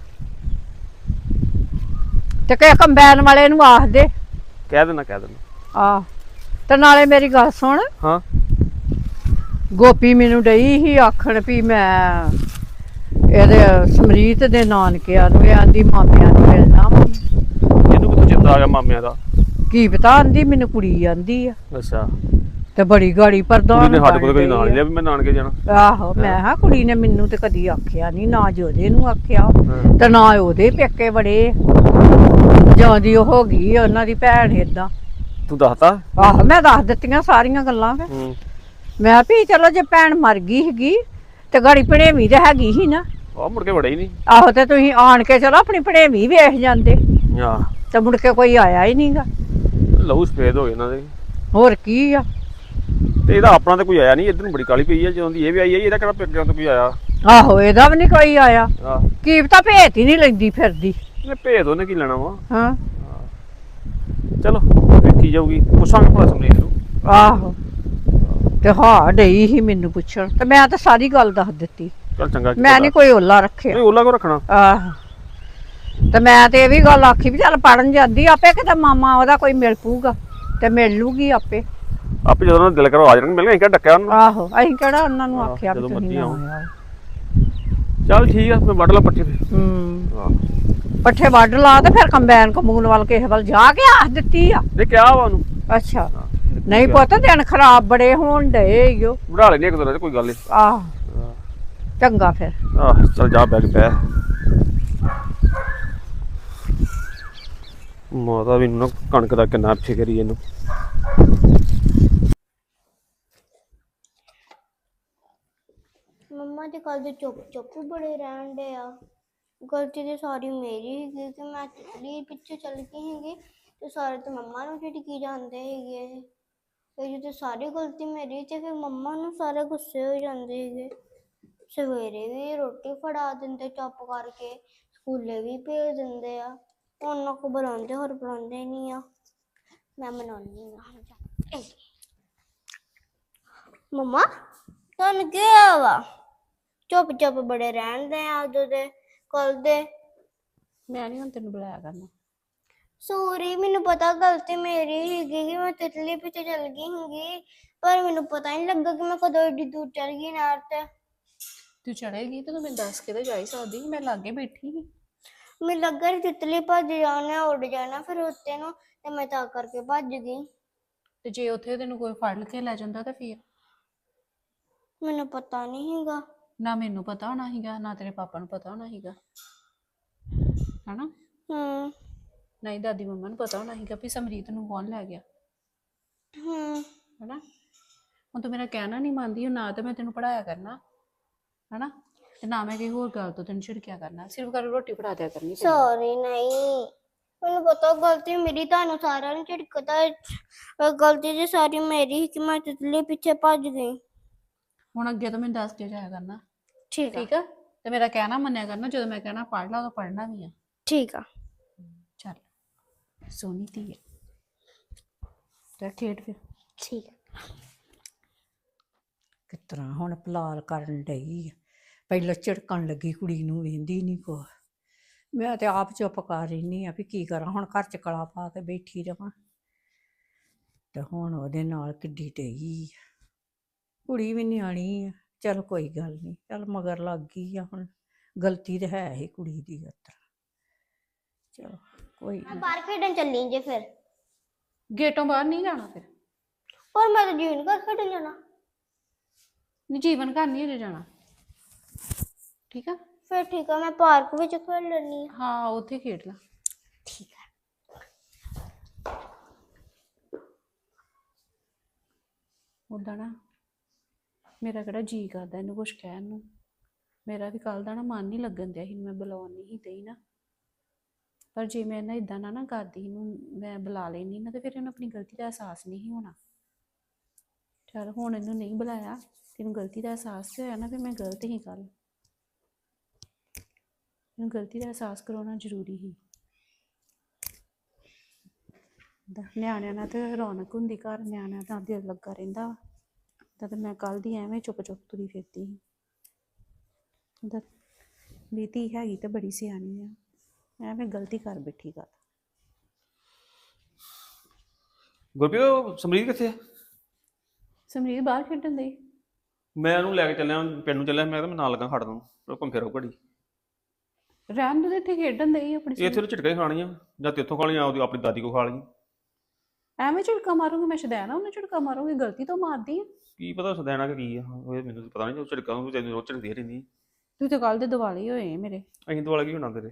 Speaker 4: ਤੇ ਕਿ ਕੰਬਾਈਨ ਵਾਲੇ ਨੂੰ ਆਖ ਦੇ।
Speaker 3: ਕਹਿ ਦੇਣਾ ਕਹਿ ਦੇਣਾ
Speaker 4: ਆਹ ਤੇ ਨਾਲੇ ਮੇਰੀ ਗੱਲ ਸੁਣ,
Speaker 3: ਹਾਂ
Speaker 4: ਗੋਪੀ ਮੈਨੂੰ ਡਈ ਸੀ ਆਖਣ ਵੀ ਮੈਂ ਇਹਦੇ ਸਮਰੀਤ ਦੇ ਨਾਨਕਿਆਂ ਨੂੰ ਇਹ ਆਂਦੀ ਮਾਮਿਆਂ ਨੂੰ ਮਿਲਣਾ ਵਾ।
Speaker 3: ਇਹਨੂੰ ਕਿੱਥੋਂ ਚੇਤਾ ਆ ਗਿਆ ਮਾਮਿਆਂ ਦਾ?
Speaker 4: ਕੀ ਪਤਾ, ਆਂਦੀ ਮੈਨੂੰ ਕੁੜੀ ਆਂਦੀ ਆ
Speaker 3: ਅੱਛਾ
Speaker 4: ਤੇ ਬੜੀ ਗਾੜੀ ਪ੍ਰਧਾਨ
Speaker 3: ਕੁੜੀ ਨੇ ਸਾਡੇ ਕੋਲ ਕਦੀ
Speaker 4: ਬਣ
Speaker 3: ਨਾਂ
Speaker 4: ਗਈ
Speaker 3: ਨਹੀਂ ਲਿਆ ਵੀ ਮੈਂ ਨਾਨਕੇ ਜਾਣਾ।
Speaker 4: ਆ। ਆਹੋ ਮੈਂ ਹਾਂ ਕੁੜੀ ਨੇ ਮੈਨੂੰ ਤੇ ਕਦੀ ਆਖਿਆ ਨਹੀਂ, ਨਾ ਜੋਦੇ ਨੂੰ ਆਖਿਆ
Speaker 3: ਹਾਂ।
Speaker 4: ਤੇ ਨਾ ਉਹਦੇ ਪੇਕੇ ਬੜੇ ਜਾਂ ਦੀ ਉਹ ਹੋ ਗਈ ਉਹਨਾਂ ਦੀ ਭੈਣ ਏਦਾਂ।
Speaker 3: ਤੂੰ ਦੱਸਤਾ?
Speaker 4: ਆਹੋ ਮੈਂ ਦੱਸ ਦਿੱਤੀਆਂ ਸਾਰੀਆਂ ਗੱਲਾਂ ਫਿਰ।
Speaker 3: ਹੂੰ
Speaker 4: ਮੈਂ ਵੀ ਚਲੋ ਜੇ ਭੈਣ ਮਰ ਗਈ ਹੈਗੀ ਤੇ ਗਾੜੀ ਭਣੇਵੀਂ ਤੇ ਹੈਗੀ ਸੀ ਨਾ।
Speaker 3: ਉਹ ਮੁੜ ਕੇ ਵੜੇ ਹੀ ਨਹੀਂ।
Speaker 4: ਆਹੋ ਤੇ ਤੁਸੀਂ ਆਣ ਕੇ ਚਲੋ ਆਪਣੀ ਭਣੇਵੀਂ ਵੇਖ ਜਾਂਦੇ
Speaker 3: ਆ
Speaker 4: ਤੇ ਮੁੜ ਕੇ ਕੋਈ ਆਇਆ ਹੀ ਨਹੀਂਗਾ।
Speaker 3: ਲਹੂ ਸਫੇਦ ਹੋ ਗਏ ਇਹਨਾਂ ਦੇ।
Speaker 4: ਹੋਰ ਕੀ ਆ।
Speaker 3: ਤੇ ਇਹਦਾ ਆਪਣਾ ਤਾਂ ਕੋਈ ਆਇਆ ਨਹੀਂ, ਇੱਧਰ ਨੂੰ ਬੜੀ ਕਾਲੀ ਪਈ ਆ ਜਦੋਂ ਦੀ ਇਹ ਵੀ ਆਈ ਹੈ। ਇਹਦਾ ਕਿਹੜਾ ਪੇਕਿਆਂ ਤੋਂ ਕੋਈ ਆਇਆ?
Speaker 4: ਆਹੋ ਇਹਦਾ ਵੀ ਨਹੀਂ ਕੋਈ ਆਇਆ।
Speaker 3: ਆ
Speaker 4: ਕੀ ਪਤਾ ਭੇਤ ਹੀ ਨਹੀਂ ਲੈਂਦੀ ਫਿਰਦੀ।
Speaker 3: ਇਹਨੇ ਭੇਦ ਉਹਨੇ ਕੀ ਲੈਣਾ ਵਾ।
Speaker 4: ਹਾਂ
Speaker 3: ਚਲੋ ਵੇਖੀ ਜਾਊਗੀ, ਪੁੱਛਾਂਗੇ ਭਲਾ ਸਮਰੀਤ ਨੂੰ।
Speaker 4: ਆਹੋ ਤੇ ਹਾਂ ਡਈ ਸੀ ਮੈਨੂੰ ਪੁੱਛਣ ਤੇ ਮੈਂ ਤਾਂ ਸਾਰੀ ਗੱਲ ਦੱਸ ਦਿੱਤੀ।
Speaker 3: ਚੱਲ ਚੰਗਾ
Speaker 4: ਮੈਂ ਨਹੀਂ ਕੋਈ ਓਲਾ ਰੱਖਿਆ।
Speaker 3: ਨਹੀਂ ਓਲਾ ਕੋ ਰੱਖਣਾ।
Speaker 4: ਆਹੋ ਤੇ ਮੈਂ ਤੇ ਇਹ ਵੀ ਗੱਲ ਆਖੀ ਵੀ ਚੱਲ ਪੜਨ ਜਾਂਦੀ ਆਪੇ ਕਿਤੇ ਮਾਮਾ ਉਹਦਾ ਕੋਈ ਮਿਲ ਪੂਗਾ ਤੇ ਮਿਲ ਲੂਗੀ ਆਪੇ।
Speaker 3: ਆਪੇ ਜਦੋਂ ਉਹਨਾਂ ਦਾ ਦਿਲ ਕਰੋ ਆ ਜਾਣਗੇ ਮਿਲਣ। ਅਸੀਂ ਕਿਹੜਾ ਡੱਕਿਆ ਉਹਨੂੰ?
Speaker 4: ਆਹੋ ਅਸੀਂ ਕਿਹੜਾ ਉਹਨਾਂ ਨੂੰ
Speaker 3: ਆਹੋ,
Speaker 4: ਆਖਿਆ ਵੀ
Speaker 3: ਜਦੋਂ
Speaker 4: ਤੁਸੀਂ
Speaker 3: ਮਰਜ਼ੀ
Speaker 4: ਨਾ
Speaker 3: ਆਓ।
Speaker 4: ਆਓ।
Speaker 3: ਚੱਲ ਠੀਕ ਆ, ਮੈਂ ਵੱਢ ਲਾ ਪੱਠੇ ਫਿਰ।
Speaker 4: ਹੂੰ
Speaker 3: ਹਾਂ
Speaker 4: ਪੱਠੇ ਵੱਢ ਲਾ ਤੇ ਫਿਰ ਕੰਬਾਈਨ ਕਮੂਨ ਵੱਲ ਕਿਸੇ ਵੱਲ ਜਾ ਕੇ ਆਖ ਦਿੱਤੀ ਆ।
Speaker 3: ਇਹ ਕਿਹਾ ਵਾ ਉਹਨੂੰ।
Speaker 4: ਅੱਛਾ ਨਹੀਂ ਪੁੱਤ ਦਿਨ ਖਰਾਬ ਬੜੇ ਹੋਣ ਡਏ ਈਓ।
Speaker 3: ਵਢਾ ਲੈਣੇ ਇੱਕ ਦੋ ਦਿਨ ਚ, ਕੋਈ ਗੱਲ ਨਹੀਂ।
Speaker 4: ਆਹ ਚੰਗਾ ਫਿਰ।
Speaker 3: ਆਹ ਚੱਲ ਜਾ ਬੈਗ ਪੈ। ਮਾਤਾ ਵੀ ਨਾ ਕਣਕ ਦਾ ਕਿੰਨਾ ਫਿਕਰ ਹੀ ਇਹਨੂੰ।
Speaker 1: ਮੰਮਾ ਤੇ ਕੱਲ ਦੇ ਚੁੱਪ ਚੁੱਪ ਬੜੇ ਰਹਿਣ ਡੇ ਆ। ਗਲਤੀ ਤੇ ਸਾਰੀ ਮੇਰੀ ਹੈਗੀ ਕਿ ਮੈਂ ਤਿਤਲੀ ਪਿੱਛੇ ਚੱਲ ਗਈ ਹੈਗੀ ਤੇ ਸਾਰੇ ਤੇ ਮੰਮਾ ਨੂੰ ਝਿੜਕੀ ਜਾਂਦੇ ਹੈਗੇ। ਇਹ ਤੇ ਸਾਰੀ ਗਲਤੀ ਮੇਰੀ ਤੇ ਫਿਰ ਮੰਮਾ ਨੂੰ ਸਾਰੇ ਗੁੱਸੇ ਹੋ ਜਾਂਦੇ ਹੈਗੇ। ਸਵੇਰੇ ਵੀ ਰੋਟੀ ਫੜਾ ਦਿੰਦੇ ਚੁੱਪ ਕਰਕੇ, ਸਕੂਲੇ ਵੀ ਭੇਜ ਦਿੰਦੇ ਆ। ਉਹਨਾਂ ਕੋ ਬੁਲਾਉਂਦੇ ਹੋਰ ਬੁਲਾਉਂਦੇ ਨਹੀਂ ਆ। ਮੈਂ ਮਨਾਉਣੀ ਆ। ਮੰਮਾ ਤੁਹਾਨੂੰ ਕੀ ਹੋਇਆ ਵਾ? ਚੁੱਪ ਚੁੱਪ ਬੜੇ ਰਹਿੰਦੇ ਆ ਉਦੋਂ ਦੇ ਕੱਲ ਦੇ।
Speaker 2: ਮੈਂ ਨਹੀਂ ਹੁਣ ਤੈਨੂੰ ਬੁਲਾਇਆ ਕਰਨਾ।
Speaker 1: ਸੋਰੀ, ਮੈਨੂੰ ਪਤਾ ਗਲਤੀ ਮੇਰੀ ਹੈਗੀ ਕਿ ਮੈਂ ਤਿਤਲੀ ਪਿੱਛੇ ਚੱਲ ਗਈ ਹੈਗੀ, ਪਰ ਮੈਨੂੰ ਪਤਾ ਨਹੀਂ ਲੱਗਾ ਕਿ ਮੈਂ ਕਦੋਂ ਏਡੀ ਦੂਰ ਚੱਲ ਗਈ ਨਹਿਰ ਤੇ।
Speaker 2: ਤੂੰ ਚੜੇਗੀ ਤੇ ਤੂੰ ਮੈਨੂੰ ਦੱਸ ਕੇ ਤੇ ਜਾ ਹੀ ਸਕਦੀ ਸੀ, ਮੈਂ ਲਾਗੇ ਬੈਠੀ ਸੀ।
Speaker 1: ਮੈਨੂੰ ਲੱਗਾ ਕਿ ਤਿਤਲੀ ਭੱਜ ਜਾਣਾ, ਉੱਡ ਜਾਣਾ ਫਿਰ ਉੱਤੇ ਨੂੰ, ਤੇ ਮੈਂ ਤਾਂ ਕਰਕੇ ਭੱਜ ਗਈ।
Speaker 2: ਤੇ ਜੇ ਉੱਥੇ ਤੈਨੂੰ ਕੋਈ ਫੜ ਕੇ ਲੈ ਜਾਂਦਾ ਤਾਂ ਫਿਰ?
Speaker 1: ਮੈਨੂੰ ਪਤਾ ਨਹੀਂ ਹੈਗਾ।
Speaker 2: ਨਾ ਮੈਨੂੰ ਪਤਾ ਹੋਣਾ ਸੀਗਾ, ਨਾ ਤੇਰੇ ਪਾਪਾ ਨੂੰ ਪਤਾ ਹੋਣਾ ਸੀਗਾ, ਹਨਾ?
Speaker 1: ਹੂੰ
Speaker 2: ਨਹੀਂ ਦਾਦੀ ਮੰਮਾ ਨੂੰ ਪਤਾ ਹੋਣਾ ਸੀਗਾ ਵੀ ਸਮਰੀਤ ਨੂੰ ਕੌਣ ਲੈ ਗਿਆ,
Speaker 1: ਹੂੰ
Speaker 2: ਹਨਾ? ਹੁਣ ਤੂੰ ਮੇਰਾ ਕਹਿਣਾ ਨਹੀਂ ਮੰਨਦੀ, ਨਾ ਤਾਂ ਮੈਂ ਤੈਨੂੰ ਪੜਾਇਆ ਕਰਨਾ, ਹਨਾ? ਤੇ ਨਾ ਮੈਂ ਕਿਸੇ ਹੋਰ ਗੱਲ ਤੋਂ ਤੈਨੂੰ ਝਿੜਕਿਆ ਕਰਨਾ, ਸਿਰਫ ਕਰ ਰੋਟੀ ਫੜਾ ਦਿਆ ਕਰਨੀ।
Speaker 1: ਸੌਰੀ, ਨਹੀਂ ਮੈਨੂੰ ਪਤਾ ਗਲਤੀ ਮੇਰੀ, ਤੁਹਾਨੂੰ ਸਾਰਿਆਂ ਨੂੰ ਝਿੜਕਦਾ। ਗਲਤੀ ਤੇ ਸਾਰੀ ਮੇਰੀ ਕਿ ਮੈਂ ਤਿਤਲੀ ਪਿੱਛੇ ਭੱਜ ਗਈ।
Speaker 2: ਹੁਣ ਅੱਗੇ ਤੋਂ ਮੈਨੂੰ ਦੱਸ ਕੇ ਜਾਇਆ ਕਰਨਾ,
Speaker 1: ਠੀਕ ਆ
Speaker 2: ਠੀਕ ਆ? ਤੇ ਮੇਰਾ ਕਹਿਣਾ ਮੰਨਿਆ ਕਰਨਾ, ਜਦੋਂ ਮੈਂ ਕਹਿਣਾ ਪੜ ਲਾ ਉਦੋਂ ਪੜਨਾ ਵੀ ਆ।
Speaker 1: ਠੀਕ ਆ।
Speaker 2: ਚੱਲ ਸੋਹਣੀ ਧੀ ਹੈ, ਤੇ ਖੇਡ ਫਿਰ।
Speaker 1: ਠੀਕ ਆ।
Speaker 4: ਕਿਸ ਤਰ੍ਹਾਂ ਹੁਣ ਪਲਾਲ ਕਰਨ ਡਈ ਆ। ਪਹਿਲਾਂ ਝਿੜਕਣ ਲੱਗੀ ਕੁੜੀ ਨੂੰ, ਵੇਂਦੀ ਨਹੀਂ ਕੋ। ਮੈਂ ਤੇ ਆਪ ਚੁੱਪ ਕਰ ਰਹੀ ਆ ਵੀ ਕੀ ਕਰਾਂ ਹੁਣ, ਘਰ ਚ ਕਲਾ ਪਾ ਕੇ ਬੈਠੀ ਰਵਾਂ ਤੇ ਹੁਣ ਉਹਦੇ ਨਾਲ ਕਿੱਡੀ ਡਈ ਆ। ਕੁੜੀ ਵੀ ਨਿਆਣੀ ਆ, ਚਲ ਕੋਈ ਗੱਲ ਨਹੀਂ, ਚੱਲ ਮਗਰ ਲੱਗ ਗਈ ਆ। ਹੁਣ ਗਲਤੀ ਤੇ ਹੈ ਹੀ ਕੁੜੀ ਦੀ। ਉਤਰ ਚਲੋ ਕੋਈ
Speaker 1: ਮੈਂ ਬਾਹਰ ਖੇਡਣ ਚੱਲੀ ਜੇ ਫਿਰ।
Speaker 2: ਗੇਟੋਂ ਬਾਹਰ ਨਹੀਂ ਜਾਣਾ ਫਿਰ?
Speaker 1: ਪਰ ਮੈਂ ਤਾਂ ਜੀਵਨ ਘਰ ਖੇਡਣ ਜਾਣਾ।
Speaker 2: ਨਹੀਂ, ਜੀਵਨ ਘਰ ਨਹੀਂ ਅਜੇ ਜਾਣਾ, ਠੀਕ ਆ?
Speaker 1: ਫਿਰ ਠੀਕ ਆ, ਮੈਂ ਪਾਰਕ ਵਿੱਚ ਖੇਡ ਲੈਣੀ ਆ।
Speaker 2: ਹਾਂ ਉੱਥੇ ਖੇਡ ਲਾ।
Speaker 1: ਠੀਕ ਆ।
Speaker 2: ਉੱਦਾਂ ਨਾ ਮੇਰਾ ਕਿਹੜਾ ਜੀ ਕਰਦਾ ਇਹਨੂੰ ਕੁਛ ਕਹਿਣ ਨੂੰ। ਮੇਰਾ ਵੀ ਕੱਲ ਦਾ ਨਾ ਮਨ ਨਹੀਂ ਲੱਗਣ ਦਿਆ ਸੀ, ਮੈਂ ਬੁਲਾਉਣ ਨਹੀਂ ਸੀ ਦਈ ਨਾ। ਪਰ ਜੇ ਮੈਂ ਨਾ ਇਦਾਂ ਨਾ ਨਾ ਕਰਦੀ, ਇਹਨੂੰ ਮੈਂ ਬੁਲਾ ਲੈਂਦੀ ਨਾ, ਤੇ ਫਿਰ ਇਹਨੂੰ ਆਪਣੀ ਗਲਤੀ ਦਾ ਅਹਿਸਾਸ ਨਹੀਂ ਸੀ ਹੋਣਾ। ਚਲ ਹੁਣ ਇਹਨੂੰ ਨਹੀਂ ਬੁਲਾਇਆ, ਤੈਨੂੰ ਗਲਤੀ ਦਾ ਅਹਿਸਾਸ ਤੇ ਹੋਇਆ ਨਾ, ਫਿਰ ਮੈਂ ਗਲਤ ਹੀ ਕੱਲ। ਮੈਨੂੰ ਗਲਤੀ ਦਾ ਅਹਿਸਾਸ ਕਰਾਉਣਾ ਜ਼ਰੂਰੀ ਸੀ। ਦਾ ਨਿਆਣਿਆਂ ਨਾਲ ਤੇ ਰੌਣਕ ਹੁੰਦੀ ਘਰ, ਨਿਆਣਿਆਂ ਦਾ ਦਿਲ ਲੱਗਾ ਰਹਿੰਦਾ ਵਾ। ਤਾਂ ਤੇ ਮੈਂ ਕੱਲ ਦੀ ਐਵੇਂ ਚੁੱਪ ਚੁੱਪ ਤੁਰੀ ਫਿਰਦੀ ਸੀ। ਦਾ ਮੇਰੀ ਧੀ ਹੈਗੀ ਤੇ ਬੜੀ ਸਿਆਣੀ ਆ, ਐਵੇਂ ਗਲਤੀ ਕਰ ਬੈਠੀ ਗੱਲ।
Speaker 3: ਗੁਰਪ੍ਰੀਤ ਉਹ ਸਮਰੀਤ ਕਿੱਥੇ ਆ?
Speaker 2: ਸਮਰੀਤ ਬਾਹਰ ਖੇਡਣ ਦੀ।
Speaker 3: ਮੈਂ ਉਹਨੂੰ ਲੈ ਕੇ ਚੱਲਿਆ ਪਿੰਡ ਨੂੰ ਚੱਲਿਆ, ਮੈਂ ਕਿਹਾ ਮੈਂ ਨਾਲ ਲੱਗਾ ਖੜ ਦੂੰ ਉਹ ਘੁੰਮ ਫਿਰ ਆਊ ਘੜੀ।
Speaker 2: ਰਹਿਣ ਦੇ ਇੱਥੇ ਖੇਡਣ ਦੇ ਆਪਣੀ
Speaker 3: ਇੱਥੇ ਉਹਨੂੰ ਝਟਕਾਂ ਹੀ ਖਾਣੀਆਂ ਜਾਂ ਤੇਥੋਂ ਖਾ ਲਈਆਂ, ਉਹਦੀ ਆਪਣੀ ਦਾਦੀ ਕੋ ਖਾ ਲਈਆਂ।
Speaker 2: ਐਵੇਂ ਝਟਕਾ ਮਾਰੂੰਗੀ ਮੈਂ, ਸ਼ਦੈਣਾ ਉਹਨੇ ਝਟਕਾ ਮਾਰੂੰਗੀ, ਗਲਤੀ ਤੋਂ ਮਾਰਦੀ ਆ।
Speaker 3: ਕੀ ਪਤਾ ਸਦੈਣਾ ਕਿ ਕੀ ਆ, ਉਹ ਮੈਨੂੰ ਪਤਾ ਨਹੀਂ। ਉਹ ਝਟਕਾਂ ਉਹ ਤੈਨੂੰ ਰੋਜ਼ ਝਟਕਦੀ ਰਹਿੰਦੀ।
Speaker 2: ਤੂੰ ਤਾਂ ਕੱਲ ਦੇ ਦਿਵਾਲੇ ਹੋਏ ਮੇਰੇ।
Speaker 3: ਅਸੀਂ ਦੁਆਲੇ ਕੀ ਹੋਣਾ ਤੇਰੇ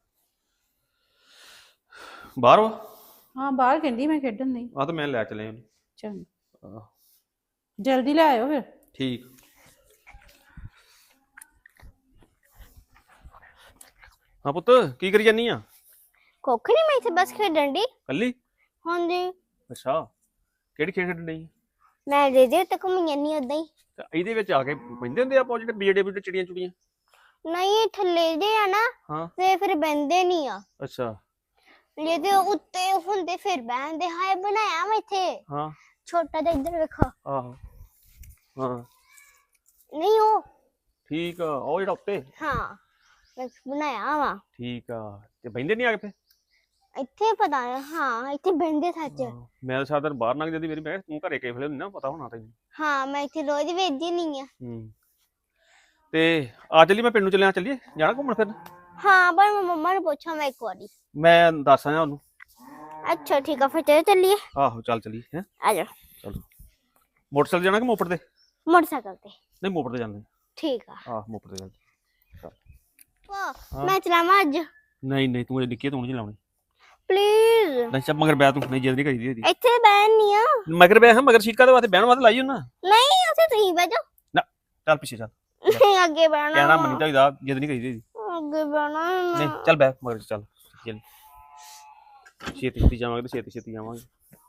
Speaker 3: ਬਾਹਰ ਵਾ?
Speaker 2: ਹਾਂ ਬਾਹਰ ਕਹਿੰਦੀ ਮੈਂ ਖੇਡਣ ਨਹੀਂ।
Speaker 3: ਆ ਤਾਂ ਮੈਂ ਲੈ ਚੱਲਿਆ ਉਹਨੂੰ।
Speaker 2: ਚੰਗਾ
Speaker 3: ਆਹ
Speaker 2: ਜਲਦੀ ਲੈ ਆਇਓ ਫਿਰ।
Speaker 3: ਠੀਕ। ਹਾਂ ਪੁੱਤ ਕੀ ਕਰੀ ਜਾਨੀ ਆ?
Speaker 1: ਕੁੱਖ ਨਹੀਂ, ਮੈਂ ਇੱਥੇ ਬਸ ਖੇਡਣ ਦੀ।
Speaker 3: ਕੱਲੀ?
Speaker 1: ਹਾਂਜੀ,
Speaker 3: ਅੱਛਾ ਕਿਹੜੀ ਖੇਡ ਖੇਡਣ ਡਈ?
Speaker 1: ਮੈਂ ਦੇ ਦੇ ਤੱਕ ਘੁੰਮੀ ਜਾਂਦੀ ਉਦਾਂ ਹੀ।
Speaker 3: ਤੇ ਇਹਦੇ ਵਿੱਚ ਆ ਕੇ ਬਹਿੰਦੇ ਹੁੰਦੇ ਆਪਾਂ ਜਿਹੜੇ ਬੀੜੇ ਬੀੜੇ ਚਿੜੀਆਂ ਚੁੜੀਆਂ?
Speaker 1: ਨਹੀਂ ਇਹ ਥੱਲੇ ਜੇ ਆ ਨਾ
Speaker 3: ਹਾਂ
Speaker 1: ਤੇ ਫਿਰ ਬਹਿੰਦੇ ਨਹੀਂ ਆ।
Speaker 3: ਅੱਛਾ
Speaker 1: ਜੇ ਤੇ ਉੱਤੇ ਹੁੰਦੇ ਫਿਰ ਬਹਿੰਦੇ। ਹਾਏ ਬਣਾਇਆ ਮੈਂ ਇੱਥੇ
Speaker 3: ਹਾਂ
Speaker 1: ਛੋਟਾ ਜਿਹਾ, ਇੱਧਰ ਵੇਖੋ।
Speaker 3: ਆਹੋ ਹਾਂ
Speaker 1: ਨਹੀਂ ਉਹ
Speaker 3: ਠੀਕ ਆ, ਉਹ ਜਿਹੜਾ ਉੱਤੇ?
Speaker 1: ਹਾਂ ਮੈਂ ਬਣਾਇਆ ਵਾ
Speaker 3: ਠੀਕ ਆ। ਤੇ ਬਹਿੰਦੇ ਨਹੀਂ ਆ ਕੇ?
Speaker 1: ਇੱਥੇ ਪਤਾ ਨਹੀਂ। ਹਾਂ ਇੱਥੇ ਬਹਿੰਦੇ ਸੱਚ।
Speaker 3: ਮੈਂ ਤਾਂ ਸਾਰਾ ਦਿਨ ਬਾਹਰ ਲੰਘ ਜਾਂਦੀ ਮੇਰੀ, ਮੈਂ ਤੂੰ ਘਰੇ ਕਿਹੜੇ ਵੇਲੇ ਹੁੰਦੀ ਨਾ ਪਤਾ ਹੋਣਾ ਤੈਨੂੰ।
Speaker 1: ਹਾਂ ਮੈਂ ਇੱਥੇ ਰੋਜ਼ ਵੇਚਦੀ ਨਹੀਂ ਆ।
Speaker 3: ਹੂੰ ਤੇ ਆ ਚੱਲੀ ਮੈਂ ਪਿੰਡ ਨੂੰ ਚੱਲਿਆ। ਚੱਲੀਏ ਜਾਣਾ ਘੁੰਮਣ ਫਿਰਨ?
Speaker 1: ਹਾਂ ਪਰ ਮੈਂ ਮੰਮਾ ਨੂੰ ਪੁੱਛਾਂ ਮੈਂ ਇੱਕ ਵਾਰੀ।
Speaker 3: ਮੈਂ ਦੱਸ ਆਇਆ ਉਹਨੂੰ।
Speaker 1: ਅੱਛਾ ਠੀਕ ਆ ਫਿਰ ਚਲੋ ਚੱਲੀਏ।
Speaker 3: ਆਹੋ ਚੱਲ ਚੱਲੀਏ ਹੈ।
Speaker 1: ਆ ਜਾ।
Speaker 3: ਚਲੋ ਮੋਟਰਸਾਈਕਲ ਜਾਣਾ ਕਿ ਮੋਪੜ ਤੇ?
Speaker 1: ਮੋਟਰਸਾਈਕਲ ਤੇ।
Speaker 3: ਨਹੀਂ ਮੋਪੜ ਤੇ ਜਾਂਦੇ।
Speaker 1: ਠੀਕ ਆ।
Speaker 3: ਆਹ ਮੋਪੜ ਤੇ ਜਾਂਦੇ।
Speaker 1: ਪਾਪਾ ਮੈਂ ਚਲਾਵਾਂ ਅੱਜ?
Speaker 3: ਨਹੀਂ ਨਹੀਂ ਤੂੰ ਇਹ ਨਿੱਕੀ ਤੂੰ ਨਹੀਂ ਚਲਾਉਣੀ।
Speaker 1: ਪਲੀਜ਼
Speaker 3: ਨਹੀਂ ਚੱਲ ਮਗਰ ਬੈ ਤੂੰ, ਨਹੀਂ ਜਿੱਦ ਨਹੀਂ ਕਰੀਦੀ ਇਹਦੀ।
Speaker 1: ਇੱਥੇ ਬਹਿਣ ਨਹੀਂ ਆ।
Speaker 3: ਮਗਰ ਬੈ ਹਾਂ, ਮਗਰ ਸੀਟਾਂ ਦੇ ਵਾਸਤੇ ਬਹਿਣ ਵਾਸਤੇ ਲਾਈ ਉਹਨਾਂ।
Speaker 1: ਨਹੀਂ ਉੱਥੇ ਤੁਸੀਂ ਬਹਿ ਜਾਓ।
Speaker 3: ਨਾ ਚੱਲ ਪਿੱਛੇ ਚੱਲ,
Speaker 1: ਨਹੀਂ ਅੱਗੇ ਬਹਿਣਾ।
Speaker 3: ਕਹਿਣਾ ਮੰਨੀ ਚਾਹੀਦਾ, ਜਿੱਦ ਨਹੀਂ ਕਰੀਦੀ ਇਹਦੀ।
Speaker 1: ਅੱਗੇ ਬਹਿਣਾ
Speaker 3: ਨਹੀਂ ਚੱਲ ਬੈ ਮਗਰ ਚੱਲ ਚੱਲ। ਛੇਤੀ ਛੇਤੀ ਜਾਵਾਂਗੇ ਤੇ ਛੇਤੀ ਛੇਤੀ ਜਾਵਾਂਗੇ।